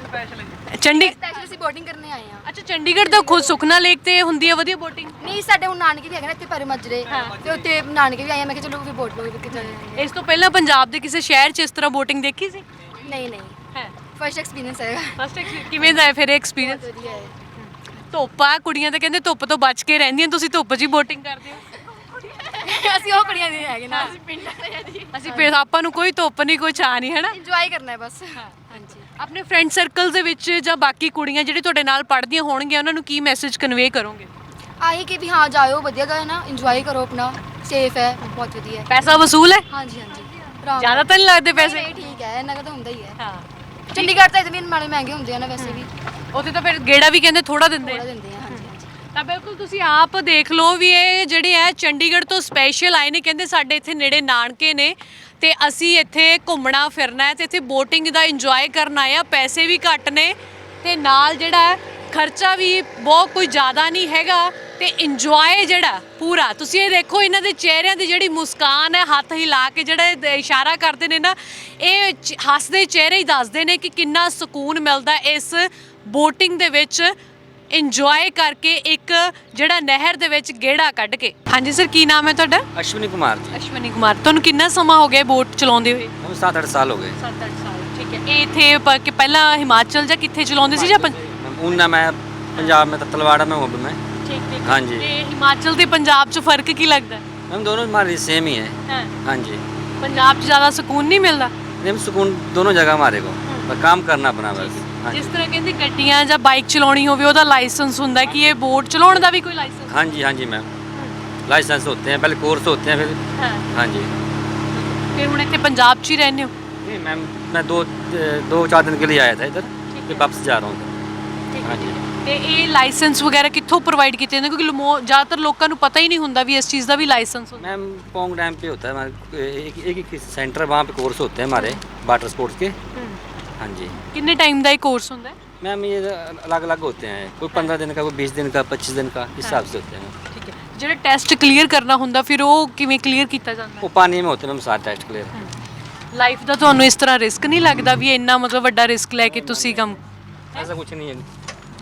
C: ਸਪੈਸ਼ਲ ਅਸੀਂ ਬੋਟਿੰਗ ਕਰਨੇ ਆਏ ਆ।
A: ਅੱਛਾ, ਚੰਡੀਗੜ੍ਹ ਤੋਂ ਖੁਦ ਸੁਖਨਾ ਲੇਕ ਤੇ ਹੁੰਦੀ ਹੈ ਵਧੀਆ ਬੋਟਿੰਗ?
C: ਨਹੀਂ ਸਾਡੇ ਹੁਣ ਨਾਨਕੇ ਵੀ ਹੈਗੇ ਨੇ ਇੱਥੇ ਪਰੇ ਮੱਜਰੇ, ਤੇ ਉੱਥੇ ਨਾਨਕੇ ਵੀ ਆਏ ਆ। ਮੈਂ ਕਿਹਾ ਚਲੋ ਵੀ ਬੋਟ ਲਓ ਕਿ ਜਾਏ।
A: ਇਸ ਤੋਂ ਪਹਿਲਾਂ ਪੰਜਾਬ ਦੇ ਕਿਸੇ ਸ਼ਹਿਰ 'ਚ ਇਸ ਤਰ੍ਹਾਂ ਬੋਟਿੰਗ ਦੇਖੀ ਸੀ?
C: ਨਹੀਂ ਨਹੀਂ
A: ਹੈ
C: ਫਰਸਟ ਐਕਸਪੀਰੀਅੰਸ ਹੈ।
A: ਫਸਟ ਕਿਵੇਂ ਦਾ ਹੈ ਫਿਰ ਐਕਸਪੀਰੀਅੰਸ?
C: ਬਹੁਤ ਵਧੀਆ ਹੈ।
A: ਧੁੱਪ ਆ, ਕੁੜੀਆਂ ਤਾਂ ਕਹਿੰਦੇ ਧੁੱਪ ਤੋਂ ਬਚ ਕੇ ਰਹਿੰਦੀਆਂ, ਤੁਸੀਂ ਧੁੱਪ 'ਚ ਹੀ ਬੋਟਿੰਗ ਕਰਦੇ ਹੋ?
C: ਅਸੀਂ ਉਹ ਕੁੜੀਆਂ ਦੇ ਹੈਗੇ ਨਾ, ਅਸੀਂ ਪਿੰਡਾਂ ਦੇ ਆ ਜੀ।
A: ਅਸੀਂ ਫਿਰ ਆਪਾਂ ਨੂੰ ਕੋਈ ਧੁੱਪ ਨਹੀਂ, ਕੋਈ ਛਾਂ ਨਹੀਂ, ਹੈ ਨਾ?
C: ਇੰਜੋਏ ਕਰਨਾ ਹੈ ਬਸ। ਹਾਂਜੀ
A: ਆਪਣੇ ਫਰੈਂਡ ਸਰਕਲ ਦੇ ਵਿੱਚ ਜਾਂ ਬਾਕੀ ਕੁੜੀਆਂ ਜਿਹੜੇ ਤੁਹਾਡੇ ਨਾਲ ਪੜ੍ਹਦੀਆਂ ਹੋਣਗੀਆਂ ਉਹਨਾਂ ਨੂੰ ਕੀ ਮੈਸੇਜ ਕਨਵੇ ਕਰੋਗੇ?
C: ਆਹੀ ਕਿ ਵੀ ਹਾਂ ਜਾਇਓ, ਵਧੀਆ ਗਾ ਨਾ, ਇੰਜੋਏ ਕਰੋ ਆਪਣਾ, ਸੇਫ ਹੈ, ਬਹੁਤ ਵਧੀਆ ਹੈ।
A: ਪੈਸਾ ਵਸੂਲ ਹੈ?
C: ਹਾਂਜੀ ਹਾਂਜੀ ਆਰਾਮ
A: ਜ਼ਿਆਦਾ ਤਾਂ ਨਹੀਂ ਲੱਗਦੇ
C: ਪੈਸੇ?
A: ਪੈਸੇ?
C: ਨਹੀਂ ਠੀਕ ਹੈ, ਇੰਨਾ ਕੁ ਤਾਂ ਹੁੰਦਾ ਹੀ ਹੈ।
A: ਹਾਂ,
C: ਚੰਡੀਗੜ੍ਹ ਤਾਂ ਇਤਨੇ ਮਾੜੇ ਮਹਿੰਗੇ ਹੁੰਦੇ ਆ ਨਾ ਵੈਸੇ ਵੀ,
A: ਉੱਥੇ ਤਾਂ ਫਿਰ ਗੇੜਾ ਵੀ ਕਹਿੰਦੇ ਥੋੜਾ ਦਿੰਦੇ
C: ਥੋੜਾ
A: ਆ।
C: ਦਿੰਦੇ ਆ। ਹਾਂਜੀ ਹਾਂਜੀ
A: ਤਾਂ ਬਿਲਕੁਲ ਤੁਸੀਂ ਆਪ ਦੇਖ ਲਓ ਵੀ ਇਹ ਜਿਹੜੇ ਹੈ ਚੰਡੀਗੜ੍ਹ ਤੋਂ ਸਪੈਸ਼ਲ ਆਏ ਨੇ, ਕਹਿੰਦੇ ਸਾਡੇ ਇੱਥੇ ਨੇੜੇ ਨਾਨਕੇ ਨੇ ਤੇ ਅਸੀਂ ਇੱਥੇ ਘੁੰਮਣਾ ਫਿਰਨਾ ਹੈ ਤੇ ਇੱਥੇ ਬੋਟਿੰਗ ਦਾ ਇੰਜੋਏ ਕਰਨ ਆਏ ਆ। ਪੈਸੇ ਵੀ ਘੱਟ ਨੇ ਤੇ ਨਾਲ ਜਿਹੜਾ ਹੈ ਖਰਚਾ ਵੀ ਬਹੁਤ ਕੋਈ ਜ਼ਿਆਦਾ ਨਹੀਂ ਹੈਗਾ, ਤੇ ਇੰਜੋਏ ਜਿਹੜਾ ਪੂਰਾ। ਤੁਸੀਂ ਇਹ ਦੇਖੋ ਇਹਨਾਂ ਦੇ ਚਿਹਰਿਆਂ ਦੀ ਜਿਹੜੀ ਮੁਸਕਾਨ ਹੈ, ਹੱਥ ਹਿਲਾ ਕੇ ਜਿਹੜਾ ਇਹ ਇਸ਼ਾਰਾ ਕਰਦੇ ਨੇ ਨਾ, ਇਹ ਚ- ਹੱਸਦੇ ਚਿਹਰੇ ਹੀ ਦੱਸਦੇ ਨੇ ਕਿ ਕਿੰਨਾ ਸਕੂਨ ਮਿਲਦਾ ਇਸ ਬੋਟਿੰਗ ਦੇ ਵਿੱਚ ਇੰਜੋਏ ਕਰਕੇ, ਇੱਕ ਜਿਹੜਾ ਨਹਿਰ ਦੇ ਵਿੱਚ ਗੇੜਾ ਕੱਢ ਕੇ। ਹਾਂਜੀ ਸਰ, ਕੀ ਨਾਮ ਹੈ ਤੁਹਾਡਾ?
F: अश्विनी कुमार जी।
A: ਅਸ਼ਵਨੀ ਕੁਮਾਰ। ਤੁਹਾਨੂੰ ਕਿੰਨਾ ਸਮਾਂ ਹੋ ਗਿਆ ਬੋਟ ਚਲਾਉਂਦੇ ਹੋਏ?
F: हम सात आठ साल हो गए।
A: ਸੱਤ ਅੱਠ ਸਾਲ। ਠੀਕ ਹੈ। ਇਹ ਇੱਥੇ ਪ- ਕਿ ਪਹਿਲਾਂ ਹਿਮਾਚਲ ਜਾਂ ਕਿੱਥੇ ਚਲਾਉਂਦੇ ਸੀ ਜਾਂ ਪੰਜ?
F: मैम ऊना में पंजाब में तलवाड़ा में हूँ अभी मैं।
A: ਠੀਕ ਠੀਕ।
F: हाँ जी।
A: ਤੇ ਹਿਮਾਚਲ ਤੇ ਪੰਜਾਬ 'ਚ ਫਰਕ ਕੀ ਲੱਗਦਾ?
F: मैम दोनों हमारी सेम ही है।
A: ਹਾਂ,
F: हाँ जी।
A: ਪੰਜਾਬ 'ਚ ਜ਼ਿਆਦਾ ਸਕੂਨ ਨਹੀਂ ਮਿਲਦਾ?
F: मैम सुकून दोनों जगह हमारे को, पर काम करना अपना बस। हाँ
A: ਜਿਸ
F: जी।
A: ਤਰ੍ਹਾਂ ਕਹਿੰਦੇ ਗੱਡੀਆਂ ਜਾਂ ਬਾਈਕ ਚਲਾਉਣੀ ਹੋਵੇ ਉਹਦਾ ਲਾਇਸੈਂਸ ਹੁੰਦਾ, ਕਿ ਇਹ ਬੋਟ ਚਲਾਉਣ ਦਾ ਵੀ ਕੋਈ ਲਾਇਸੈਂਸ?
F: हाँ जी हाँ जी मैम, लाइसेंस होते हैं, पहले कोर्स होते हैं, फिर
A: ਹਾਂ।
F: हाँ जी।
A: ਫਿਰ ਹੁਣ ਇੱਥੇ ਪੰਜਾਬ 'ਚ ਹੀ ਰਹਿੰਦੇ ਹੋ?
F: नहीं मैम मैं दो दो चार दिन के लिए आया था इधर, फिर वापस जा रहा हूँ। हाँ जी।
A: ਤੇ ਇਹ ਲਾਇਸੈਂਸ ਵਗੈਰਾ ਕਿੱਥੋਂ ਪ੍ਰੋਵਾਈਡ ਕੀਤੇ ਜਾਂਦੇ? ਕਿਉਂਕਿ ਲਮੋ- ਜ਼ਿਆਦਾतर ਲੋਕਾਂ ਨੂੰ ਪਤਾ ਹੀ ਨਹੀਂ ਹੁੰਦਾ ਵੀ ਇਸ ਚੀज़ ਦਾ ਵੀ ਲਾਇਸੈਂਸ ਹੁੰਦਾ।
F: मैम पोंग डैम पे होता है हमारे एक एक एक सेंटर, वहाँ पे कोर्स होते हैं हमारे वाटर स्पोर्ट्स के। हाँ जी।
A: ਕਿੰਨੇ ਟਾਈਮ ਦਾ ਇਹ ਕੋਰਸ ਹੁੰਦਾ ਹੈ?
F: मैम ये अलग अलग होते हैं, कोई पंद्रह दिन का, कोई बीस दिन का, पच्चीस दिन का, इस हिसाब से होते हैं।
A: ਠੀਕ ਹੈ। ਜਿਹੜਾ ਟੈਸਟ ਕਲੀਅਰ ਕਰਨਾ ਹੁੰਦਾ ਫਿਰ ਉਹ ਕਿਵੇਂ ਕਲੀਅਰ ਕੀਤਾ ਜਾਂਦਾ?
F: वो पानी में होते हैं मैम सारे टेस्ट क्लियर।
A: ਲਾਈਫ ਦਾ ਤੁਹਾਨੂੰ ਇਸ ਤਰ੍ਹਾਂ ਰਿਸਕ ਨਹੀਂ ਲੱਗਦਾ ਵੀ ਇੰਨਾ ਮਤਲਬ ਵੱਡਾ ਰਿਸਕ ਲੈ ਕੇ ਤੁਸੀਂ ਕੰਮ?
F: ऐसा कुछ नहीं है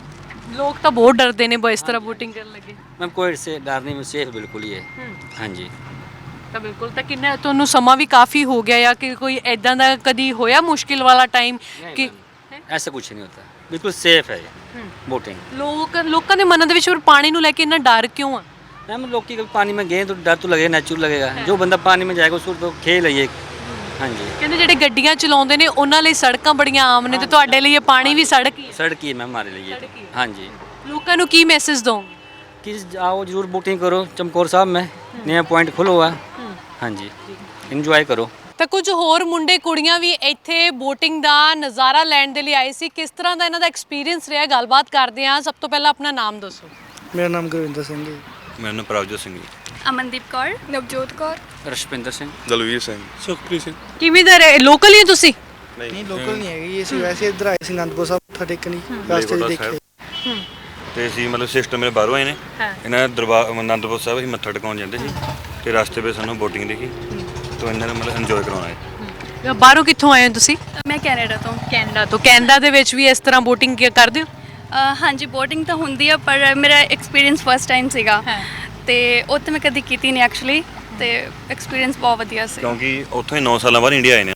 A: ਲੋਕ ਤਾਂ ਬਹੁਤ ਡਰਦੇ ਨੇ ਇਸ ਤਰ੍ਹਾਂ ਬੋਟਿੰਗ ਕਰਨ ਲੱਗੇ।
F: मैम, कोई से डर नहीं, सेफ बिल्कुल ही है। हाँ जी।
A: ਤਾਂ ਬਿਲਕੁਲ। ਤਾਂ ਕਿੰਨਾ ਤੁਹਾਨੂੰ ਸਮਾਂ ਵੀ ਕਾਫੀ ਹੋ ਗਿਆ, ਜਾਂ ਕਿ ਕੋਈ ਐਦਾਂ ਦਾ ਕਦੀ ਹੋਇਆ ਮੁਸ਼ਕਿਲ ਵਾਲਾ ਟਾਈਮ ਕਿ?
F: ऐसा कुछ नहीं होता, ਬਿਲਕੁਲ ਸੇਫ ਹੈ बोटिंग।
A: ਲੋਕ ਲੋਕਾਂ ਦੇ ਮਨਾਂ ਦੇ ਵਿੱਚ ਫਿਰ ਪਾਣੀ ਨੂੰ ਲੈ ਕੇ ਇੰਨਾ ਡਰ ਕਿਉਂ ਆ?
F: मैम लोग की कभी पानी में गए तो डर तो लगेगा, नेचुरल लगेगा। जो बंदा पानी में जाएगा उसको तो खेल है ये। हाँ जी,
A: ਕਹਿੰਦੇ ਜਿਹੜੇ ਗੱਡੀਆਂ ਚਲਾਉਂਦੇ ਨੇ ਉਹਨਾਂ ਲਈ ਸੜਕਾਂ ਬੜੀਆਂ ਆਮ ਨੇ ਤੇ ਤੁਹਾਡੇ ਲਈ ਇਹ ਪਾਣੀ ਵੀ ਸੜਕ ਹੀ ਹੈ।
F: सड़क ही है मैम हमारे लिए
A: सड़क ही
F: ये।
A: है।
F: हाँ जी,
A: ਲੋਕਾਂ ਨੂੰ ਕੀ ਮੈਸੇਜ ਦੋਗੇ?
F: कि आओ जरूर बोटिंग करो चमकौर साहब में, नया पॉइंट खुला हुआ है। हाँ जी, इंजॉय करो।
A: ਤਾਂ ਕੁਝ ਹੋਰ ਮੁੰਡੇ ਕੁੜੀਆਂ ਵੀ ਇੱਥੇ ਬੋਟਿੰਗ ਦਾ ਨਜ਼ਾਰਾ ਲੈਣ ਦੇ ਲਈ ਆਏ ਸੀ। ਕਿਸ ਤਰ੍ਹਾਂ ਦਾ ਇਹਨਾਂ ਦਾ ਐਕਸਪੀਰੀਅੰਸ ਰਿਹਾ, ਗੱਲਬਾਤ ਕਰਦੇ ਹਾਂ। ਸਭ ਤੋਂ ਪਹਿਲਾਂ ਆਪਣਾ ਨਾਮ ਦੱਸੋ।
G: ਮੇਰਾ ਨਾਮ ਗੁਰਵਿੰਦਰ ਸਿੰਘ ਹੈ।
D: ਮੇਰਾ ਨਾਮ ਪ੍ਰਭਜੋਤ ਸਿੰਘ ਜੀ।
E: ਅਮਨਦੀਪ ਕੌਰ,
C: ਨਵਜੋਤ ਕੌਰ,
F: रशपिंदर सिंह,
H: ਦਲਵੀਰ ਸਿੰਘ।
G: ਸੁਖਪ੍ਰੀਤ ਸਿੰਘ।
A: ਕਿਵੇਂ ਦਾ ਲੋਕਲ ਹੀ ਹੋ ਤੁਸੀਂ?
G: ਨਹੀਂ ਲੋਕਲ ਨਹੀਂ ਹੈਗੀ, ਅਸੀਂ ਵੈਸੇ ਇੱਧਰ ਆਏ ਸੀ ਅਨੰਦਪੁਰ ਸਾਹਿਬ ਮੱਥਾ ਟੇਕਣ, ਰਸਤੇ 'ਚ ਦੇਖੇ।
D: ਤੇ ਅਸੀਂ ਮਤਲਬ ਸਿਸਟਰ ਮੇਰੇ ਬਾਹਰੋਂ ਆਏ ਨੇ, ਇਹਨਾਂ ਦੇ ਦਰਬਾਰ ਅਨੰਦਪੁਰ ਸਾਹਿਬ ਅਸੀਂ ਮੱਥਾ ਟਿਕਾਉਣ ਜਾਂਦੇ ਸੀ ਤੇ ਰਸਤੇ ਵਿੱਚ ਸਾਨੂੰ ਬੋਟਿੰਗ ਦਿਖੀ ਤਾਂ ਇਹਨਾਂ ਨੇ ਮਤਲਬ ਇੰਜੋਏ ਕਰਾਉਣਾ ਹੈ।
A: ਬਾਹਰੋਂ ਕਿੱਥੋਂ ਆਏ ਹੋ ਤੁਸੀਂ?
E: ਮੈਂ ਕੈਨੇਡਾ ਤੋਂ।
A: ਕੈਨੇਡਾ ਤੋਂ। ਕੈਨੇਡਾ ਦੇ ਵਿੱਚ ਵੀ ਇਸ ਤਰ੍ਹਾਂ ਬੋਟਿੰਗ ਕਰਦੇ ਹੋ?
E: ਅ, ਹਾਂਜੀ ਬੋਟਿੰਗ ਤਾਂ ਹੁੰਦੀ ਆ ਪਰ ਮੇਰਾ ਐਕਸਪੀਰੀਅੰਸ ਫਸਟ ਟਾਈਮ ਸੀਗਾ ਤੇ ਉੱਥੇ ਮੈਂ ਕਦੀ ਕੀਤੀ ਨਹੀਂ ਐਕਚੁਅਲੀ ਤੇ ਐਕਸਪੀਰੀਅੰਸ ਬਹੁਤ ਵਧੀਆ ਸੀ।
D: ਕਿਉਂਕਿ ਉੱਥੋਂ ਹੀ ਨੌ ਸਾਲਾਂ ਬਾਅਦ ਇੰਡੀਆ ਆਏ ਨੇ।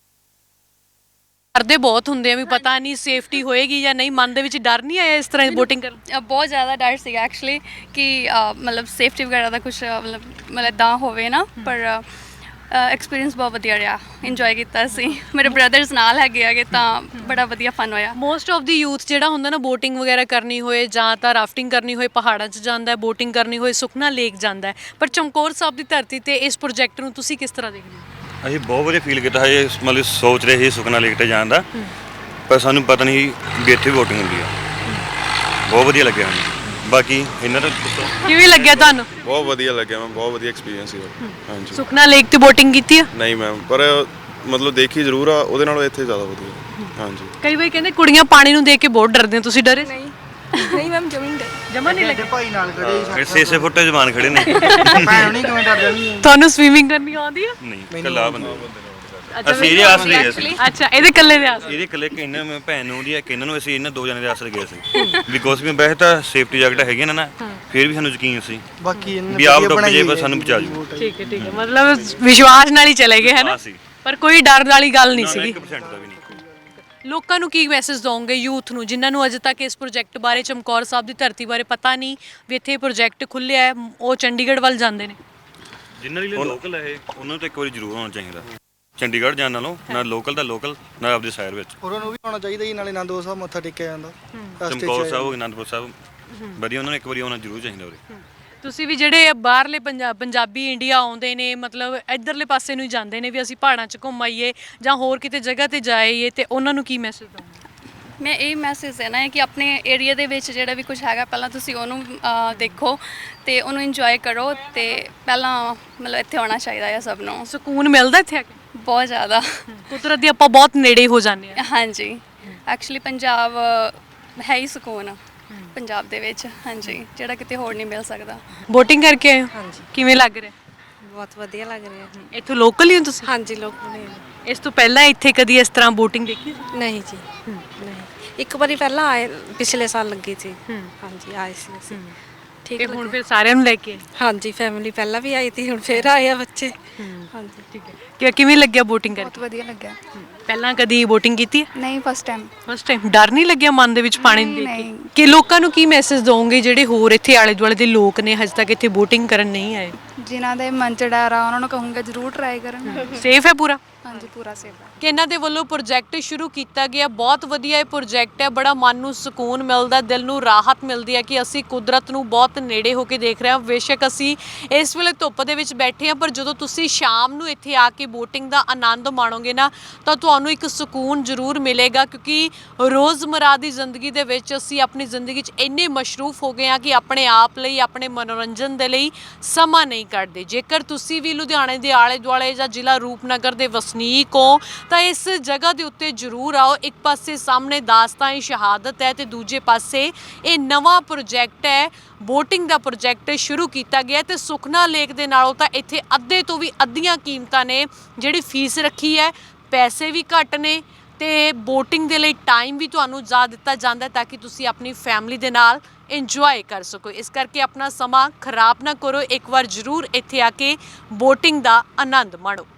A: ਡਰਦੇ ਬਹੁਤ ਹੁੰਦੇ ਆ ਵੀ ਪਤਾ ਨਹੀਂ ਸੇਫਟੀ ਹੋਏਗੀ ਜਾਂ ਨਹੀਂ, ਮਨ ਦੇ ਵਿੱਚ ਡਰ ਨਹੀਂ ਆਇਆ ਇਸ ਤਰ੍ਹਾਂ ਬੋਟਿੰਗ ਕਰਨ?
E: ਅ, ਬਹੁਤ ਜ਼ਿਆਦਾ ਡਰ ਸੀਗਾ ਐਕਚੁਅਲੀ ਕਿ ਅ, ਮਤਲਬ ਸੇਫਟੀ ਵਗੈਰਾ ਦਾ ਕੁਝ ਮਤਲਬ ਮਤਲਬ ਇੱਦਾਂ ਹੋਵੇ ਨਾ, ਪਰ ਐਕਸਪੀਰੀਅੰਸ ਬਹੁਤ ਵਧੀਆ ਰਿਹਾ, ਇੰਜੋਏ ਕੀਤਾ ਸੀ। ਮੇਰੇ ਬ੍ਰਦਰਸ ਨਾਲ ਹੈਗੇ ਆਗੇ ਤਾਂ ਬੜਾ ਵਧੀਆ ਫਨ ਹੋਇਆ।
A: ਮੋਸਟ ਆਫ ਦੀ ਯੂਥ ਜਿਹੜਾ ਹੁੰਦਾ ਨਾ ਬੋਟਿੰਗ ਵਗੈਰਾ ਕਰਨੀ ਹੋਏ ਜਾਂ ਤਾਂ ਰਾਫਟਿੰਗ ਕਰਨੀ ਹੋਏ ਪਹਾੜਾਂ 'ਚ ਜਾਂਦਾ ਹੈ, ਬੋਟਿੰਗ ਕਰਨੀ ਹੋਏ ਸੁਖਨਾ ਲੇਕ ਜਾਂਦਾ ਹੈ, ਪਰ ਚਮਕੌਰ ਸਾਹਿਬ ਦੀ ਧਰਤੀ ਤੇ ਇਸ ਪ੍ਰੋਜੈਕਟ ਨੂੰ ਤੁਸੀਂ ਕਿਸ ਤਰ੍ਹਾਂ ਦੇਖਦੇ ਹੋ?
D: ਅਸੀਂ ਬਹੁਤ ਵਧੀਆ ਫੀਲ ਕੀਤਾ ਹੈ, ਮਤਲਬ ਸੋਚ ਰਹੇ ਸੀ ਸੁਖਨਾ ਲੇਕ ਤੇ ਜਾਣ ਦਾ, ਪਰ ਸਾਨੂੰ ਪਤਾ ਨਹੀਂ ਵੀ ਇੱਥੇ ਬੋਟਿੰਗ ਹੁੰਦੀ ਆ। ਬਹੁਤ ਵਧੀਆ ਲੱਗਿਆ ਸਾਨੂੰ। ਬਾਕੀ ਇਹਨਾਂ ਦਾ
A: ਕਿਵੇਂ ਲੱਗਿਆ ਤੁਹਾਨੂੰ?
H: ਬਹੁਤ ਵਧੀਆ ਲੱਗਿਆ ਮੈਮ, ਬਹੁਤ ਵਧੀਆ ਐਕਸਪੀਰੀਅੰਸ ਸੀ। ਹਾਂਜੀ।
A: ਸੁਖਨਾ ਲੇਕ ਤੇ ਬੋਟਿੰਗ ਕੀਤੀ ਆ?
H: ਨਹੀਂ ਮੈਮ, ਪਰ ਮਤਲਬ ਦੇਖੀ ਜ਼ਰੂਰ ਆ, ਉਹਦੇ ਨਾਲੋਂ ਇੱਥੇ ਜ਼ਿਆਦਾ ਵਧੀਆ। ਹਾਂਜੀ।
A: ਕਈ ਵਾਰ ਕਹਿੰਦੇ ਕੁੜੀਆਂ ਪਾਣੀ ਨੂੰ ਦੇਖ ਕੇ ਬਹੁਤ ਡਰਦੀਆਂ, ਤੁਸੀਂ ਡਰੇ?
C: ਨਹੀਂ ਨਹੀਂ ਮੈਮ ਜਮੀਨ ਦੇ
A: ਜਮਾ ਨਹੀਂ ਲੱਗੇ?
G: ਭਾਈ ਨਾਲ ਖੜੇ
D: ਛੇ ਛੇ ਫੁੱਟ ਜਵਾਨ ਖੜੇ ਨੇ।
G: ਭੈਣ ਨਹੀਂ ਕਿਵੇਂ ਡਰ ਜਾਂਦੀ ਹੈ।
A: ਤੁਹਾਨੂੰ ਸਵੀਮਿੰਗ ਕਰਨੀ ਆਉਂਦੀ ਆ?
D: ਨਹੀਂ ਕੱਲਾ ਬੰਦਾ।
A: ਅੱਛਾ,
D: ਅਸੀਂ ਇਹਦੇ ਆਸ ਲਈ ਗਏ ਸੀ।
A: ਅੱਛਾ, ਇਹਦੇ ਇਕੱਲੇ ਦੇ ਆਸ?
D: ਇਹਦੇ ਇਕੱਲੇ ਕਿ ਇਹਨਾਂ ਮੈਂ ਭੈਣ ਨੂੰ ਦੀ ਹੈ ਕਿ ਇਹਨਾਂ ਨੂੰ ਅਸੀਂ ਇਹਨਾਂ ਦੋ ਜਣੇ ਦੇ ਆਸਰੇ ਗਏ ਸੀ ਬਿਕੋਜ਼ ਵੀ ਵੈਸੇ ਤਾਂ ਸੇਫਟੀ ਜੈਕਟ ਹੈਗੀ ਨਾ ਨਾ, ਫਿਰ ਵੀ ਸਾਨੂੰ ਯਕੀਨ ਸੀ
G: ਬਾਕੀ ਇਹਨਾਂ
D: ਵੀ ਆਪ ਡੁੱਬ ਜੇ ਬਸ ਸਾਨੂੰ ਬਚਾ ਜੂ।
A: ਠੀਕ ਹੈ ਠੀਕ ਹੈ, ਮਤਲਬ ਵਿਸ਼ਵਾਸ ਨਾਲ ਹੀ ਚਲੇ ਗਏ ਹੈ ਨਾ,
D: ਸੀ
A: ਪਰ ਕੋਈ ਡਰ ਵਾਲੀ ਗੱਲ ਨਹੀਂ ਸੀਗੀ।
D: ਇੱਕ ਪਰਸੈਂਟ ਦਾ ਵੀ ਨਹੀਂ।
A: ਲੋਕਾਂ ਨੂੰ ਕੀ ਮੈਸੇਜ ਦੋਗੇ, ਯੂਥ ਨੂੰ ਜਿਨ੍ਹਾਂ ਨੂੰ ਅਜੇ ਤੱਕ ਇਸ ਪ੍ਰੋਜੈਕਟ ਬਾਰੇ, ਚਮਕੌਰ ਸਾਹਿਬ ਦੀ ਧਰਤੀ ਬਾਰੇ ਪਤਾ ਨਹੀਂ ਵੀ ਇੱਥੇ ਪ੍ਰੋਜੈਕਟ ਖੁੱਲਿਆ ਹੈ, ਉਹ ਚੰਡੀਗੜ੍ਹ ਵੱਲ ਜਾਂਦੇ ਨੇ?
D: ਜਿਨ੍ਹਾਂ ਲਈ ਲੋਕਲ ਹੈ ਉਹਨਾਂ ਨੂੰ ਤਾਂ ਇੱਕ ਵਾਰੀ ਜ਼ਰੂਰ ਆਉਣਾ ਚਾਹੀਦਾ। ਚੰਡੀਗੜ੍ਹ ਜਾਣ ਨਾਲੋਂ ਨਾ ਲੋਕਲ ਦਾ ਲੋਕਲ ਨਾ ਆਪਦੇ ਸ਼ਹਿਰ ਵਿੱਚ
G: ਉਹਨਾਂ ਨੂੰ ਵੀ ਆਉਣਾ ਚਾਹੀਦਾ ਜੀ, ਨਾਲੇ ਅਨੰਦਪੁਰ ਸਾਹਿਬ ਮੱਥਾ ਟੇਕਿਆ ਜਾਂਦਾ ਰਸਤੇ 'ਚ।
D: ਚਮਕੌਰ ਸਾਹਿਬ ਅਨੰਦਪੁਰ ਸਾਹਿਬ ਵਧੀਆ, ਉਹਨਾਂ ਨੂੰ ਇੱਕ ਵਾਰੀ ਆਉਣਾ ਜ਼ਰੂਰ ਚਾਹੀਦਾ ਉਰੇ।
A: ਤੁਸੀਂ ਵੀ ਜਿਹੜੇ ਬਾਹਰਲੇ ਪੰਜਾ ਪੰਜਾਬੀ ਇੰਡੀਆ ਆਉਂਦੇ ਨੇ, ਮਤਲਬ ਇੱਧਰਲੇ ਪਾਸੇ ਨੂੰ ਹੀ ਜਾਂਦੇ ਨੇ ਵੀ ਅਸੀਂ ਪਹਾੜਾਂ 'ਚ ਘੁੰਮ ਆਈਏ ਜਾਂ ਹੋਰ ਕਿਤੇ ਜਗ੍ਹਾ ਤੇ ਜਾਈਏ, ਤੇ ਉਹਨਾਂ ਨੂੰ ਕੀ ਮੈਸੇਜ ਦੋਗੇ?
E: ਮੈਂ ਇਹ ਮੈਸੇਜ ਦੇਣਾ ਹੈ ਕਿ ਆਪਣੇ ਏਰੀਆ ਦੇ ਵਿੱਚ ਜਿਹੜਾ ਵੀ ਕੁਝ ਹੈਗਾ ਪਹਿਲਾਂ ਤੁਸੀਂ ਉਹਨੂੰ ਅ, ਦੇਖੋ ਤੇ ਉਹਨੂੰ ਇੰਜੋਏ ਕਰੋ ਤੇ ਪਹਿਲਾਂ ਮਤਲਬ ਇੱਥੇ ਆਉਣਾ ਚਾਹੀਦਾ ਹੈ ਸਭ ਨੂੰ।
A: ਸਕੂਨ ਮਿਲਦਾ ਇੱਥੇ ਆ ਕੇ?
E: ਬਹੁਤ ਜ਼ਿਆਦਾ।
A: ਕੁਦਰਤ ਦੀ ਆਪਾਂ ਬਹੁਤ ਨੇੜੇ ਹੋ ਜਾਂਦੇ ਆ।
E: ਹਾਂਜੀ, ਐਕਚੁਅਲੀ ਪੰਜਾਬ ਹੈ ਹੀ ਸਕੂਨ ਪੰਜਾਬ ਦੇ ਵਿੱਚ, ਹਾਂਜੀ, ਜਿਹੜਾ ਕਿਤੇ ਹੋਰ ਨਹੀਂ ਮਿਲ ਸਕਦਾ।
A: ਬੋਟਿੰਗ ਕਰਕੇ ਆਏ ਹੋ? ਹਾਂਜੀ। ਕਿਵੇਂ ਲੱਗ ਰਿਹਾ?
I: ਬਹੁਤ ਵਧੀਆ ਲੱਗ ਰਿਹਾ।
A: ਇੱਥੋਂ ਲੋਕਲ ਹੀ ਹੋ ਤੁਸੀਂ?
I: ਹਾਂਜੀ ਲੋਕ ਨੇ।
A: ਇਸ ਤੋਂ ਪਹਿਲਾਂ ਇੱਥੇ ਕਦੀ ਇਸ ਤਰ੍ਹਾਂ ਬੋਟਿੰਗ ਦੇਖੀ?
I: ਨਹੀਂ ਜੀ, ਨਹੀਂ। ਇੱਕ ਵਾਰੀ ਪਹਿਲਾਂ ਆਏ, ਪਿਛਲੇ ਸਾਲ ਲੱਗੀ ਸੀ। ਹਾਂਜੀ ਆਏ ਸੀ ਅਸੀਂ। ਠੀਕ
A: ਤੇ ਹੁਣ ਫਿਰ ਸਾਰਿਆਂ ਨੂੰ ਲੈ ਕੇ ਆਏ?
I: ਹਾਂਜੀ, ਫੈਮਿਲੀ ਪਹਿਲਾਂ ਵੀ ਆਈ ਸੀ, ਹੁਣ ਫੇਰ ਆਏ ਆ ਬੱਚੇ। ਹਾਂਜੀ
A: ਠੀਕ ਹੈ। ਕਿ ਕਿਵੇਂ ਲੱਗਿਆ ਬੋਟਿੰਗ ਕਰਕੇ?
C: ਬਹੁਤ ਵਧੀਆ ਲੱਗਿਆ।
A: ਪਹਿਲਾਂ ਕਦੀ ਬੋਟਿੰਗ ਕੀਤੀ ਹੈ?
C: ਨਹੀਂ ਫਸਟ ਟਾਈਮ।
A: First time. ਡਰ ਨਹੀਂ ਲੱਗਿਆ ਮਨ ਦੇ ਵਿੱਚ ਪਾਣੀ ਨੂੰ
C: ਨਹੀਂ,
A: ਦੇਖ ਕੇ?
C: ਨਹੀਂ।
A: ਕਿ ਲੋਕਾਂ ਨੂੰ ਕੀ ਮੈਸੇਜ ਦੋਗੇ ਜਿਹੜੇ ਹੋਰ ਇੱਥੇ ਆਲੇ ਦੁਆਲੇ ਦੇ ਲੋਕ ਨੇ ਹਜੇ ਤੱਕ ਇੱਥੇ ਬੋਟਿੰਗ ਕਰਨ ਨਹੀਂ ਆਏ?
C: ਜਿਨ੍ਹਾਂ ਦੇ ਮਨ ਚ ਡਰ ਆ ਉਹਨਾਂ ਨੂੰ ਕਹੂੰਗਾ ਜ਼ਰੂਰ ਟਰਾਈ ਕਰਨ।
A: ਸੇਫ ਹੈ ਪੂਰਾ?
C: ਹਾਂਜੀ ਪੂਰਾ ਸੇਫ ਹੈ।
A: ਕਿ ਇਹਨਾਂ ਦੇ ਵੱਲੋਂ ਪ੍ਰੋਜੈਕਟ ਸ਼ੁਰੂ ਕੀਤਾ ਗਿਆ, ਬਹੁਤ ਵਧੀਆ ਇਹ ਪ੍ਰੋਜੈਕਟ ਹੈ, ਬੜਾ ਮਨ ਨੂੰ ਸਕੂਨ ਮਿਲਦਾ, ਦਿਲ ਨੂੰ ਰਾਹਤ ਮਿਲਦੀ ਹੈ ਕਿ ਅਸੀਂ ਕੁਦਰਤ ਨੂੰ ਬਹੁਤ ਨੇੜੇ ਹੋ ਕੇ ਦੇਖ ਰਹੇ ਹਾਂ। ਬੇਸ਼ੱਕ ਅਸੀਂ ਇਸ ਵੇਲੇ ਧੁੱਪ ਦੇ ਵਿੱਚ ਬੈਠੇ ਹਾਂ, ਪਰ ਜਦੋਂ ਤੁਸੀਂ ਸ਼ਾਮ ਨੂੰ ਇੱਥੇ ਆ ਕੇ ਬੋਟਿੰਗ ਦਾ ਆਨੰਦ ਮਾਣੋਗੇ ਨਾ ਤਾਂ ਤੁਹਾਨੂੰ ਇੱਕ ਸਕੂਨ ਜ਼ਰੂਰ ਮਿਲੇਗਾ, ਕਿਉਂਕਿ ਰੋਜ਼ਮਰਾ ਦੀ ਜ਼ਿੰਦਗੀ ਦੇ ਵਿੱਚ ਅਸੀਂ ਆਪਣੀ ਜ਼ਿੰਦਗੀ 'ਚ ਇੰਨੇ ਮਸ਼ਰੂਫ ਹੋ ਗਏ ਹਾਂ ਕਿ ਆਪਣੇ ਆਪ ਲਈ, ਆਪਣੇ ਮਨੋਰੰਜਨ ਦੇ ਲਈ ਸਮਾਂ ਨਹੀਂ ਕੱਢਦੇ। ਜੇਕਰ ਤੁਸੀਂ ਵੀ ਲੁਧਿਆਣੇ ਦੇ ਆਲੇ ਦੁਆਲੇ ਜਾਂ ਜ਼ਿਲ੍ਹਾ ਰੂਪਨਗਰ ਦੇ ਵਸਨੀਕ ਹੋ ਤਾਂ ਇਸ ਜਗ੍ਹਾ ਦੇ ਉੱਤੇ ਜ਼ਰੂਰ ਆਓ। ਇੱਕ ਪਾਸੇ ਸਾਹਮਣੇ ਦਾਸਤਾਨ ਸ਼ਹਾਦਤ ਹੈ ਤੇ ਦੂਜੇ ਪਾਸੇ ਇਹ ਨਵਾਂ ਪ੍ਰੋਜੈਕਟ ਹੈ, ਬੋਟਿੰਗ ਦਾ ਪ੍ਰੋਜੈਕਟ ਸ਼ੁਰੂ ਕੀਤਾ ਗਿਆ ਤੇ ਸੁਖਨਾ ਲੇਕ ਦੇ ਨਾਲੋਂ ਤਾਂ ਇੱਥੇ ਅੱਧੇ ਤੋਂ ਵੀ ਅੱਧੀਆਂ ਕੀਮਤਾਂ ਨੇ। ਜਿਹੜੀ ਫੀਸ ਰੱਖੀ ਹੈ, ਪੈਸੇ ਵੀ ਘੱਟ ਨੇ ਤੇ ਬੋਟਿੰਗ ਦੇ ਲਈ ਟਾਈਮ ਵੀ ਤੁਹਾਨੂੰ ਜ਼ਿਆਦਾ ਦਿੱਤਾ ਜਾਂਦਾ ਹੈ ਤਾਂ ਕਿ ਤੁਸੀਂ ਆਪਣੀ ਫੈਮਿਲੀ ਦੇ ਨਾਲ ਇੰਜੋਏ ਕਰ ਸਕੋ। ਇਸ ਕਰਕੇ ਆਪਣਾ ਸਮਾਂ ਖਰਾਬ ਨਾ ਕਰੋ, ਇੱਕ ਵਾਰ ਜ਼ਰੂਰ ਇੱਥੇ ਆ ਕੇ ਬੋਟਿੰਗ ਦਾ ਆਨੰਦ ਮਾਣੋ।